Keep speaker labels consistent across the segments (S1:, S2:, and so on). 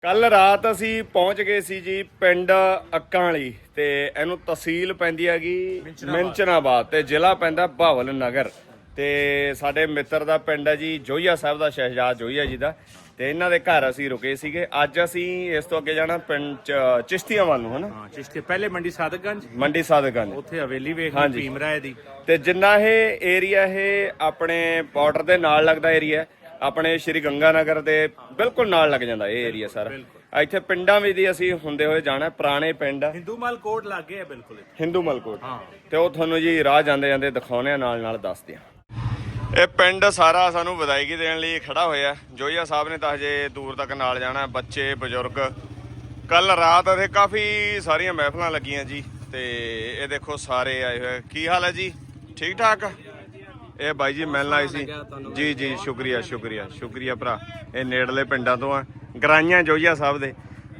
S1: ਕੱਲ ਰਾਤ ਅਸੀਂ ਪਹੁੰਚ ਗਏ ਸੀ ਜੀ ਪਿੰਡ ਅੱਕਾਂ ਵਾਲੀ ਤੇ ਇਹਨੂੰ ਤਹਿਸੀਲ ਪੈਂਦੀ ਹੈਗੀ ਮਿੰਚਨਾਬਾਦ ਤੇ ਜ਼ਿਲ੍ਹਾ ਪੈਂਦਾ ਬਹਾਵਲ ਨਗਰ ਤੇ ਸਾਡੇ ਮਿੱਤਰ ਦਾ ਪਿੰਡ ਹੈ ਜੀ ਜੋਈਆ ਸਾਹਿਬ ਦਾ ਸ਼ਹਿਜਾਦ ਜੋਈਆ ਜੀ ਦਾ ਤੇ ਇਹਨਾਂ ਦੇ ਘਰ ਅਸੀਂ ਰੁਕੇ ਸੀਗੇ। ਅੱਜ ਅਸੀਂ ਇਸ ਤੋਂ ਅੱਗੇ ਜਾਣਾ ਪਿੰਡ ਚਿਸ਼ਤੀਆਂ ਵੱਲ ਨੂੰ ਹਨਾ।
S2: ਹਾਂ ਚਿਸ਼ਤੀ ਪਹਿਲੇ ਮੰਡੀ
S1: ਸਾਦਗੰਜ
S2: ਉੱਥੇ ਹਵੇਲੀ ਵੇਖਣੀ ਭੀਮ ਰਾਏ ਦੀ
S1: ਤੇ ਜਿੰਨਾ ਇਹ ਏਰੀਆ ਇਹ ਆਪਣੇ ਬਾਰਡਰ ਦੇ ਨਾਲ ਲੱਗਦਾ ਏਰੀਆ ਆਪਣੇ ਸ਼੍ਰੀ ਗੰਗਾ ਨਗਰ ਦੇ ਬਿਲਕੁਲ ਨਾਲ ਲੱਗ ਜਾਂਦਾ ਇਹ ਏਰੀਆ ਸਾਰਾ। ਇੱਥੇ ਪਿੰਡਾਂ ਵਿੱਚ ਦੀ ਅਸੀਂ ਹੁੰਦੇ ਹੋਏ ਜਾਣਾ ਪੁਰਾਣੇ ਪਿੰਡ
S2: ਹਿੰਦੂਮਲ ਕੋਟ ਲੱਗੇ ਆ ਬਿਲਕੁਲ
S1: ਹਿੰਦੂਮਲ ਕੋਟ ਤੇ ਉਹ ਤੁਹਾਨੂੰ ਜੀ ਰਾਹ ਜਾਂਦੇ ਜਾਂਦੇ ਦਿਖਾਉਣੇ ਨਾਲ ਦੱਸਦੇ ਆ। ਇਹ ਪਿੰਡ ਸਾਰਾ ਸਾਨੂੰ ਵਧਾਈ ਦੇਣ ਲਈ ਖੜਾ ਹੋਇਆ। ਜੋਈਆ ਸਾਹਿਬ ਨੇ ਤਾਂ ਹਜੇ ਦੂਰ ਤੱਕ ਨਾਲ ਜਾਣਾ ਬੱਚੇ ਬਜ਼ੁਰਗ। ਕੱਲ ਰਾਤ ਇੱਥੇ ਕਾਫੀ ਸਾਰੀਆਂ ਮਹਿਫਲਾਂ ਲੱਗੀਆਂ ਜੀ ਤੇ ਇਹ ਦੇਖੋ ਸਾਰੇ ਆਏ ਹੋਏ। ਕੀ ਹਾਲ ਹੈ ਜੀ? ਠੀਕ ਠਾਕ। ਇਹ ਬਾਈ ਜੀ ਮਿਲਣ ਆਏ ਸੀ ਜੀ। ਜੀ ਸ਼ੁਕਰੀਆ ਭਰਾ। ਇਹ ਨੇੜਲੇ ਪਿੰਡਾਂ ਤੋਂ ਆ ਗਰਾਈਆਂ ਜੋਈਆ ਸਾਹਿਬ ਦੇ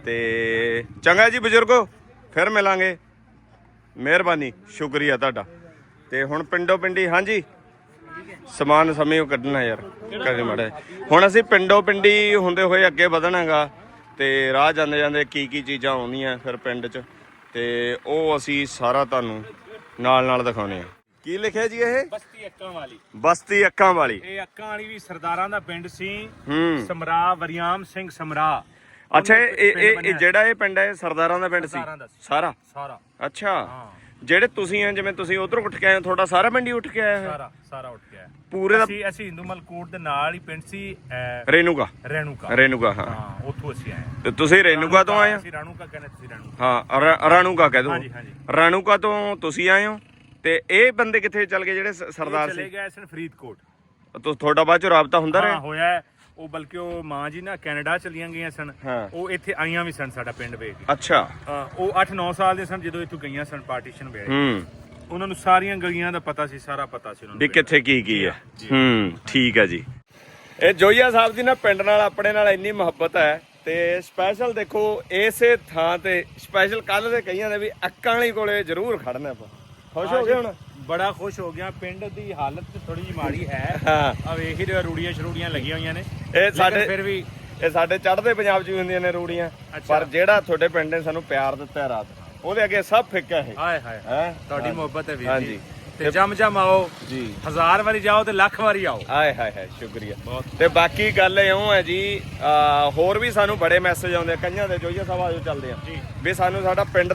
S1: ਤੇ ਚੰਗਾ ਜੀ ਬਜ਼ੁਰਗੋ ਫਿਰ ਮਿਲਾਂਗੇ। ਮਿਹਰਬਾਨੀ ਸ਼ੁਕਰੀਆ ਤੁਹਾਡਾ। ਤੇ ਹੁਣ ਪਿੰਡੋਂ ਪਿੰਡੀ ਹਾਂਜੀ ਸਮਾਨ ਸਮੇਂ ਕੱਢਣਾ ਯਾਰ ਕਦੇ ਮਾੜਾ। ਹੁਣ ਅਸੀਂ ਪਿੰਡੋਂ ਪਿੰਡੀ ਹੁੰਦੇ ਹੋਏ ਅੱਗੇ ਵਧਣਾਗਾ ਤੇ ਰਾਹ ਜਾਂਦੇ ਜਾਂਦੇ ਕੀ ਚੀਜ਼ਾਂ ਆਉਂਦੀਆਂ ਫਿਰ ਪਿੰਡ 'ਚ ਤੇ ਉਹ ਅਸੀਂ ਸਾਰਾ ਤੁਹਾਨੂੰ ਨਾਲ ਦਿਖਾਉਣੇ ਆ। ਕੀ ਲਿਖਿਆ ਜੀ ਇਹ? ਬਸਤੀ ਅੱਕਾਂ ਵਾਲੀ।
S2: ਇਹ ਅੱਕਾਂ ਵਾਲੀ ਵੀ ਸਰਦਾਰਾਂ ਦਾ ਪਿੰਡ ਸੀ। ਸਮਰਾ ਵਰਿਆਮ ਸਿੰਘ ਸਮਰਾ।
S1: ਅੱਛਾ ਇਹ ਜਿਹੜਾ ਇਹ ਪਿੰਡ ਹੈ ਸਰਦਾਰਾਂ ਦਾ ਪਿੰਡ ਸੀ ਸਾਰਾ? ਅੱਛਾ ਜਿਹੜੇ ਤੁਸੀਂ ਆ ਜਿਵੇਂ ਤੁਸੀਂ ਉਧਰੋਂ ਉੱਠ ਕੇ ਆਏ ਤੁਹਾਡਾ ਸਾਰਾ ਪਿੰਡ ਹੀ ਉੱਠ ਕੇ ਆਇਆ?
S2: ਸਾਰਾ ਉੱਠ ਕੇ ਆਇਆ
S1: ਪੂਰੇ ਦਾ।
S2: ਅਸੀਂ ਹਿੰਦੂਮਲ ਕੋਟ ਦੇ ਨਾਲ ਹੀ ਪਿੰਡ ਸੀ
S1: ਰੇਨੂਗਾ ਹਾਂ
S2: ਉੱਥੋਂ ਅਸੀਂ ਆਏ।
S1: ਤੇ ਤੁਸੀਂ ਰੇਨੂਗਾ ਤੋਂ ਆਏ ਹੋ?
S2: ਅਸੀਂ ਰਾਣੂਕਾ ਕਹਿੰਦੇ ਤੁਸੀਂ
S1: ਹਾਂ ਰਾਣੂਕਾ ਕਹਿ ਦੋ।
S2: ਹਾਂਜੀ
S1: ਰਾਣੂਕਾ ਤੋਂ ਤੁਸੀਂ ਆਏ ਹੋ ਤੇ ਇਹ ਬੰਦੇ ਕਿੱਥੇ ਚੱਲ ਗਏ ਜਿਹੜੇ ਸਰਦਾਰ ਸੀ?
S2: ਚਲੇ ਗਏ ਸਨ ਫਰੀਦਕੋਟ।
S1: ਤੁਹਾਡਾ ਬਾਅਦ ਚ ਰਾਬਤਾ ਹੁੰਦਾ ਰਿਹਾ?
S2: ਹੋਇਆ ਉਹ ਬਲਕਿ ਉਹ ਮਾਂ ਜੀ ਨਾ ਕੈਨੇਡਾ ਚਲੀਆਂ ਗਈਆਂ ਸਨ। ਉਹ ਇੱਥੇ ਆਈਆਂ ਵੀ ਸਨ ਸਾਡਾ ਪਿੰਡ ਵੇਖ ਕੇ।
S1: ਅੱਛਾ
S2: ਉਹ 8-9 ਸਾਲ ਦੇ ਸਨ ਜਦੋਂ ਇੱਥੋਂ ਗਈਆਂ ਸਨ ਪਾਰਟੀਸ਼ਨ ਵੇਲੇ। ਉਹਨਾਂ ਨੂੰ ਸਾਰੀਆਂ ਗਲੀਆਂ ਦਾ ਪਤਾ ਸੀ ਸਾਰਾ ਪਤਾ ਸੀ ਉਹਨਾਂ ਨੂੰ
S1: ਵੀ ਕਿੱਥੇ ਕੀ ਹੈ। ਠੀਕ ਹੈ ਜੀ। ਇਹ ਜੋਈਆ ਸਾਹਿਬ ਦੀ ਨਾ ਪਿੰਡ ਨਾਲ ਆਪਣੇ ਨਾਲ ਇੰਨੀ ਮੁਹੱਬਤ ਹੈ ਤੇ ਸਪੈਸ਼ਲ ਦੇਖੋ ਇਸੇ ਥਾਂ ਤੇ ਸਪੈਸ਼ਲ ਕੱਲ ਦੇ ਕਈਆਂ ਨੇ ਵੀ ਅੱਕਾਂ ਵਾਲੀ ਕੋਲੇ ਜ਼ਰੂਰ ਖੜਨਾ ਆਪਾਂ। ਖੁਸ਼ ਹੋ ਗਏ ਹੁਣ?
S2: ਬੜਾ ਖੁਸ਼ ਹੋ ਗਿਆ। ਪਿੰਡ ਦੀ ਹਾਲਤ ਥੋੜੀ ਜਿਹੀ ਮਾੜੀ ਹੈ। ਆ ਵੇਖ ਹੀ ਰਿਹਾ ਰੂੜੀਆਂ ਸ਼ਰੂੜੀਆਂ ਲੱਗੀਆਂ ਹੋਈਆਂ ਨੇ।
S1: ਇਹ ਸਾਡੇ
S2: ਫਿਰ ਵੀ
S1: ਇਹ ਸਾਡੇ ਚੜ੍ਹਦੇ ਪੰਜਾਬ 'ਚ ਵੀ ਹੁੰਦੀਆਂ ਨੇ ਰੂੜੀਆਂ ਪਰ ਜਿਹੜਾ ਤੁਹਾਡੇ ਪਿੰਡ ਨੇ ਸਾਨੂੰ ਪਿਆਰ ਦਿੱਤਾ ਰਾਤ ਉਹਦੇ ਅੱਗੇ ਸਭ ਫਿੱਕਾ ਹੈ।
S2: ਹਾਏ ਤੁਹਾਡੀ ਮੁਹੱਬਤ ਹੈ ਵੀਰ ਜੀ। ਤੇ ਜਮ ਆਓ ਜੀ। 1000 ਵਾਰੀ ਜਾਓ ਤੇ ਲੱਖ ਵਾਰੀ ਆਓ।
S1: ਹਾਏ ਸ਼ੁਕਰੀਆ। ਤੇ ਬਾਕੀ ਗੱਲ ਇਉਂ ਹੈ ਜੀ ਹੋਰ ਵੀ ਸਾਨੂੰ ਬੜੇ ਮੈਸੇਜ ਆਉਂਦੇ ਕਈਆਂ ਦੇ ਜੋਈਆ ਸਾਹਿਬ ਆਜੋ ਚੱਲਦੇ ਆ ਵੀ ਸਾਨੂੰ ਸਾਡਾ ਪਿੰਡ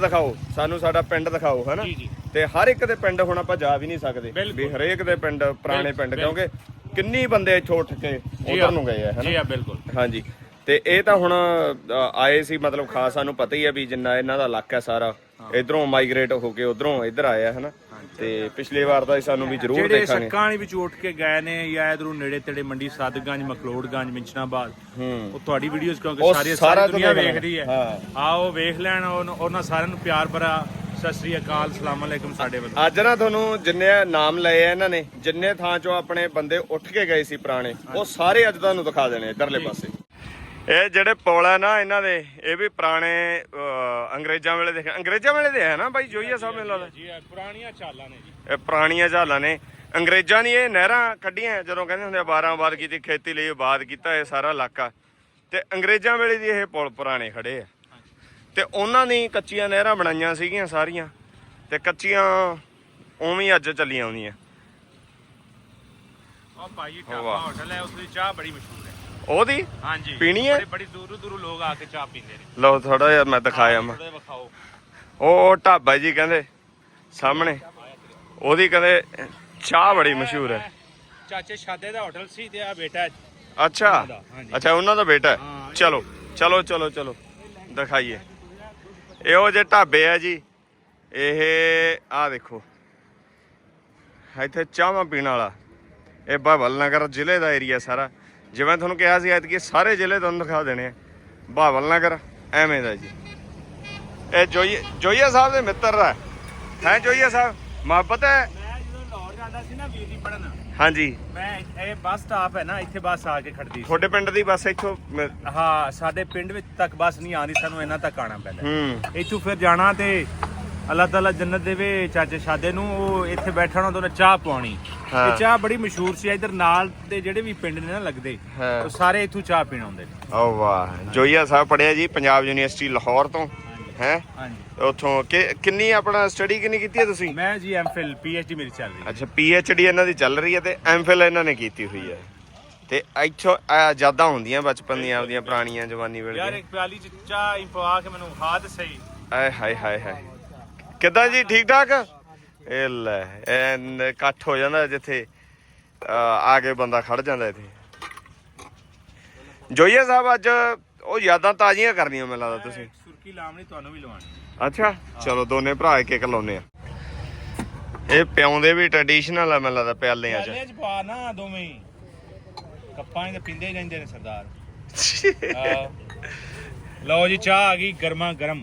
S1: ਦਿਖਾਓ ਹਨਾ। ਤੇ ਹਰ ਇੱਕ ਦੇ ਪਿੰਡ ਹੁਣ ਆਪਾਂ ਜਾ ਵੀ ਨਹੀਂ ਸਕਦੇ ਵੀ ਹਰੇਕ ਦੇ ਪਿੰਡ ਪੁਰਾਣੇ ਪਿੰਡ ਕਿਉਂਕਿ ਕਿੰਨੀ ਬੰਦੇ ਇੱਥੋਂ ਉੱਠ ਕੇ ਉਧਰ ਨੂੰ ਗਏ ਆ ਹਨਾ।
S2: ਬਿਲਕੁਲ
S1: ਹਾਂਜੀ। ਤੇ ਇਹ ਤਾਂ ਹੁਣ ਆਏ ਸੀ ਮਤਲਬ ਖਾਸ ਸਾਨੂੰ ਪਤਾ ਹੀ ਆ ਵੀ ਜਿੰਨਾ ਇਹਨਾਂ ਦਾ ਇਲਾਕਾ ਸਾਰਾ ਇਧਰੋਂ ਮਾਈਗ੍ਰੇਟ ਹੋ ਕੇ ਉਧਰੋਂ ਇੱਧਰ ਆਇਆ ਹਨਾ। ਤੇ ਪਿਛਲੀ ਵਾਰ ਤਾਂ ਸਾਨੂੰ ਵੀ ਜ਼ਰੂਰ ਦੇਖਾਂਗੇ।
S2: ਜਿਹੜੇ ਸੱਕਾਂ ਵਾਲੀ ਵਿੱਚ ਉੱਠ ਕੇ ਗਏ ਨੇ ਜਾਂ ਇਧਰੋਂ ਨੇੜੇ ਤੇੜੇ ਮੰਡੀ ਸਾਦਗੰਜ ਮਕਲੋੜਗੰਜ ਮਿੰਚਨਾਬਾਦ ਉਹ ਤੁਹਾਡੀ ਵੀਡੀਓਜ਼ ਕਿਉਂਕਿ ਸਾਰੀ ਦੁਨੀਆ ਵੇਖਦੀ ਹੈ। ਆਓ ਵੇਖ ਲੈਣ। ਉਹਨਾਂ ਸਾਰਿਆਂ ਨੂੰ ਪਿਆਰ ਭਰਾ ਸਤਿ ਸ੍ਰੀ ਅਕਾਲ ਸਲਾਮ ਅਲੈਕੁਮ ਸਾਡੇ ਵੱਲੋਂ।
S1: ਅੱਜ ਨਾ ਤੁਹਾਨੂੰ ਜਿੰਨੇ ਨਾਮ ਲਏ ਆ ਇਹਨਾਂ ਨੇ ਜਿੰਨੇ ਥਾਂ ਚੋਂ ਆਪਣੇ ਬੰਦੇ ਉੱਠ ਕੇ ਗਏ ਸੀ ਪੁਰਾਣੇ ਉਹ ਸਾਰੇ ਅੱਜ ਤੁਹਾਨੂੰ ਦਿਖਾ ਦੇਣੇ ਇੱਧਰਲੇ ਪਾਸੇ। ਇਹ ਜਿਹੜੇ ਪੁਲ ਹੈ ਨਾ ਇਹਨਾਂ ਦੇ ਇਹ ਵੀ ਪੁਰਾਣੇ ਅੰਗਰੇਜ਼ਾਂ ਵੇਲੇ ਦੇ ਹੈ ਨਾ ਬਾਈ ਜੋਈਆ ਸਾਹਿਬ ਮੈਨੂੰ ਲੱਗਦਾ
S2: ਜੀ। ਪੁਰਾਣੀਆਂ ਚਾਲਾਂ ਨੇ ਜੀ।
S1: ਇਹ ਪੁਰਾਣੀਆਂ ਚਾਲਾਂ ਨੇ। ਅੰਗਰੇਜ਼ਾਂ ਨੇ ਇਹ ਨਹਿਰਾਂ ਕੱਢੀਆਂ ਜਦੋਂ ਕਹਿੰਦੇ ਹੁੰਦੇ 12 ਆਬਾਦ ਕੀਤੀ ਖੇਤੀ ਲਈ ਆਬਾਦ ਕੀਤਾ ਇਹ ਸਾਰਾ ਇਲਾਕਾ ਤੇ ਅੰਗਰੇਜ਼ਾਂ ਵੇਲੇ ਦੀ ਇਹ ਪੁਲ ਪੁਰਾਣੇ ਖੜੇ ਆ ਤੇ ਉਹਨਾਂ ਦੀ ਕੱਚੀਆਂ ਨਹਿਰਾਂ ਬਣਾਈਆਂ ਸੀਗੀਆਂ ਸਾਰੀਆਂ ਤੇ ਕੱਚੀਆਂ ਉਵੇਂ ਅੱਜ ਚੱਲੀਆਂ ਆਉਂਦੀਆਂ।
S2: ਉਹ ਭਾਈ ਢਾਬਾ ਹੋਟਲ ਹੈ ਉਸ ਦੀ ਚਾਹ ਬੜੀ ਮਸ਼ਹੂਰ ਹੈ।
S1: ਉਹਦੀ
S2: ਹਾਂਜੀ
S1: ਪੀਣੀ ਹੈ?
S2: ਬੜੀ ਦੂਰੋਂ ਲੋਕ ਆ ਕੇ ਚਾਹ ਪੀਂਦੇ ਨੇ।
S1: ਲਓ ਥੋੜਾ ਜਿਹਾ ਮੈਂ ਦਿਖਾਇਆ ਮੈਂ ਉਹ ਢਾਬਾ ਜੀ ਕਹਿੰਦੇ ਸਾਹਮਣੇ ਉਹਦੀ ਕਹਿੰਦੇ ਚਾਹ ਬੜੀ ਮਸ਼ਹੂਰ ਹੈ।
S2: ਚਾਚੇ ਸ਼ਾਦੇ ਦਾ ਹੋਟਲ ਸੀ ਤੇ ਆ ਬੇਟਾ।
S1: ਅੱਛਾ ਉਹਨਾਂ ਦਾ ਬੇਟਾ ਹੈ। ਚਲੋ ਦਿਖਾਈਏ। ਇਹੋ ਜਿਹੇ ਢਾਬੇ ਆ ਜੀ ਇਹ ਆ ਦੇਖੋ ਇੱਥੇ ਚਾਹਾਂ ਪੀਣ ਵਾਲਾ। ਇਹ ਬਹਾਵਲ ਨਗਰ ਜ਼ਿਲ੍ਹੇ ਦਾ ਏਰੀਆ ਸਾਰਾ ਜਿਵੇਂ ਤੁਹਾਨੂੰ ਕਿਹਾ ਸੀ ਐਤਕੀ ਸਾਰੇ ਜ਼ਿਲ੍ਹੇ ਤੁਹਾਨੂੰ ਦਿਖਾ ਦੇਣੇ ਆ। ਬਹਾਵਲ ਨਗਰ ਐਵੇਂ ਦਾ ਜੀ। ਇਹ ਜੋਈਆ ਸਾਹਿਬ ਦੇ ਮਿੱਤਰ ਦਾ ਹੈ ਜੋਈਆ ਸਾਹਿਬ ਮੁਹੱਬਤ ਹੈ।
S2: ਮੈਂ ਜਦੋਂ ਲਾਹੌਰ ਜਾਂਦਾ ਸੀ ਨਾ ਵੀਰ ਜੀ ਪੜਨ
S1: ਹਾਂਜੀ ਮੈਂ
S2: ਇਹ ਬੱਸ ਸਟਾਪ ਹੈ ਨਾ ਇੱਥੇ ਬੱਸ ਆ ਕੇ ਖੜਦੀ ਸੀ।
S1: ਤੁਹਾਡੇ ਪਿੰਡ ਦੀ ਬੱਸ ਇੱਥੋਂ?
S2: ਹਾਂ ਸਾਡੇ ਪਿੰਡ ਵਿੱਚ ਤੱਕ ਬੱਸ ਨਹੀਂ ਆਉਂਦੀ ਸਾਨੂੰ ਇਹਨਾਂ ਤੱਕ ਆਉਣਾ ਪੈਂਦਾ। ਇੱਥੋਂ ਫਿਰ ਜਾਣਾ ਤੇ ਅੱਲਾਹ ਤਾਲਾ ਜੰਨਤ ਦੇਵੇ ਚਾਚੇ ਸ਼ਾਦੇ ਨੂੰ, ਉਹ ਇੱਥੇ ਬੈਠਣਾ ਤਾਂ ਉਹਨੇ ਚਾਹ ਪਾਉਣੀ।
S1: ਹਾਂ।
S2: ਇਹ ਚਾਹ ਬੜੀ ਮਸ਼ਹੂਰ ਸੀ। ਇਧਰ ਨਾਲ ਦੇ ਜਿਹੜੇ ਵੀ ਪਿੰਡ ਨੇ ਨਾ ਲੱਗਦੇ,
S1: ਹਾਂ।
S2: ਉਹ ਸਾਰੇ ਇੱਥੋਂ ਚਾਹ ਪੀਣ ਆਉਂਦੇ ਨੇ।
S1: ਓ ਵਾਹ, ਜੋਈਆ ਸਾਹਿਬ ਪੜਿਆ ਜੀ ਪੰਜਾਬ ਯੂਨੀਵਰਸਿਟੀ ਲਾਹੌਰ ਤੋਂ ਹੈ।
S2: ਹਾਂਜੀ।
S1: ਉੱਥੋਂ ਕਿੰਨੀ ਆਪਣਾ ਸਟੱਡੀ ਕਿੰਨੀ ਕੀਤੀ ਹੈ ਤੁਸੀਂ?
S2: ਮੈਂ ਜੀ ਐਮਫਿਲ PhD ਮੇਰੀ ਚੱਲ ਰਹੀ ਹੈ।
S1: ਅੱਛਾ, PhD ਇਹਨਾਂ ਦੀ ਚੱਲ ਰਹੀ ਹੈ ਤੇ ਐਮਫਿਲ ਇਹਨਾਂ ਨੇ ਕੀਤੀ ਹੋਈ ਹੈ। ਤੇ ਇੱਥੋਂ ਯਾਦਾਂ ਹੁੰਦੀਆਂ ਬਚਪਨ ਦੀਆਂ ਆਪਦੀਆਂ ਪੁਰਾਣੀਆਂ ਜਵਾਨੀ ਵੇਲੇ
S2: ਯਾਰ
S1: ਦੀਆਂ।
S2: ਇੱਕ ਪਿਆਲੀ ਚ ਚਾਹ ਹੀ ਪਵਾ ਕੇ ਮੈਨੂੰ ਹਾਦ ਸਹੀ।
S1: ਆਏ ਹਾਏ ਹਾਏ ਹਾਏ, ਕਿੱਦਾਂ ਜੀ, ਠੀਕ ਠਾਕ? ਇਹ ਲੈ, ਇਹ ਇਕੱਠ ਹੋ ਜਾਂਦਾ ਜਿੱਥੇ ਆ ਕੇ ਬੰਦਾ ਖੜ ਜਾਂਦਾ ਇੱਥੇ। ਜੋਈਆ ਸਾਹਿਬ ਅੱਜ ਉਹ ਯਾਦਾਂ ਤਾਜ਼ੀਆਂ ਕਰਨੀਆਂ ਮੈਨੂੰ ਲੱਗਦਾ ਤੁਸੀਂ।
S2: ਸੁਰਖੀ ਲਾਉਣੀ ਤੁਹਾਨੂੰ ਵੀ ਲਵਾਉਣੀ।
S1: ਅੱਛਾ, ਚਲੋ ਦੋਨੇ ਭਰਾ ਇੱਕ ਇੱਕ ਲਾਉਨੇ ਆ। ਇਹ ਪਿਆਉਂਦੇ ਵੀ ਟ੍ਰੈਡੀਸ਼ਨਲ ਆ ਮੈਨੂੰ ਲੱਗਦਾ ਪਿਆਲਿਆਂ ਚ।
S2: ਪਿਆਲੇ ਚ ਪਾ ਨਾ ਦੋਵੇਂ ਹੀ, ਕੱਪਾਂ ਦੇ ਪਿੰਦੇ ਹੀ ਰਹਿੰਦੇ ਨੇ ਸਰਦਾਰ। ਲਓ ਜੀ, ਚਾਹ ਆ ਗਈ ਗਰਮਾ ਗਰਮ।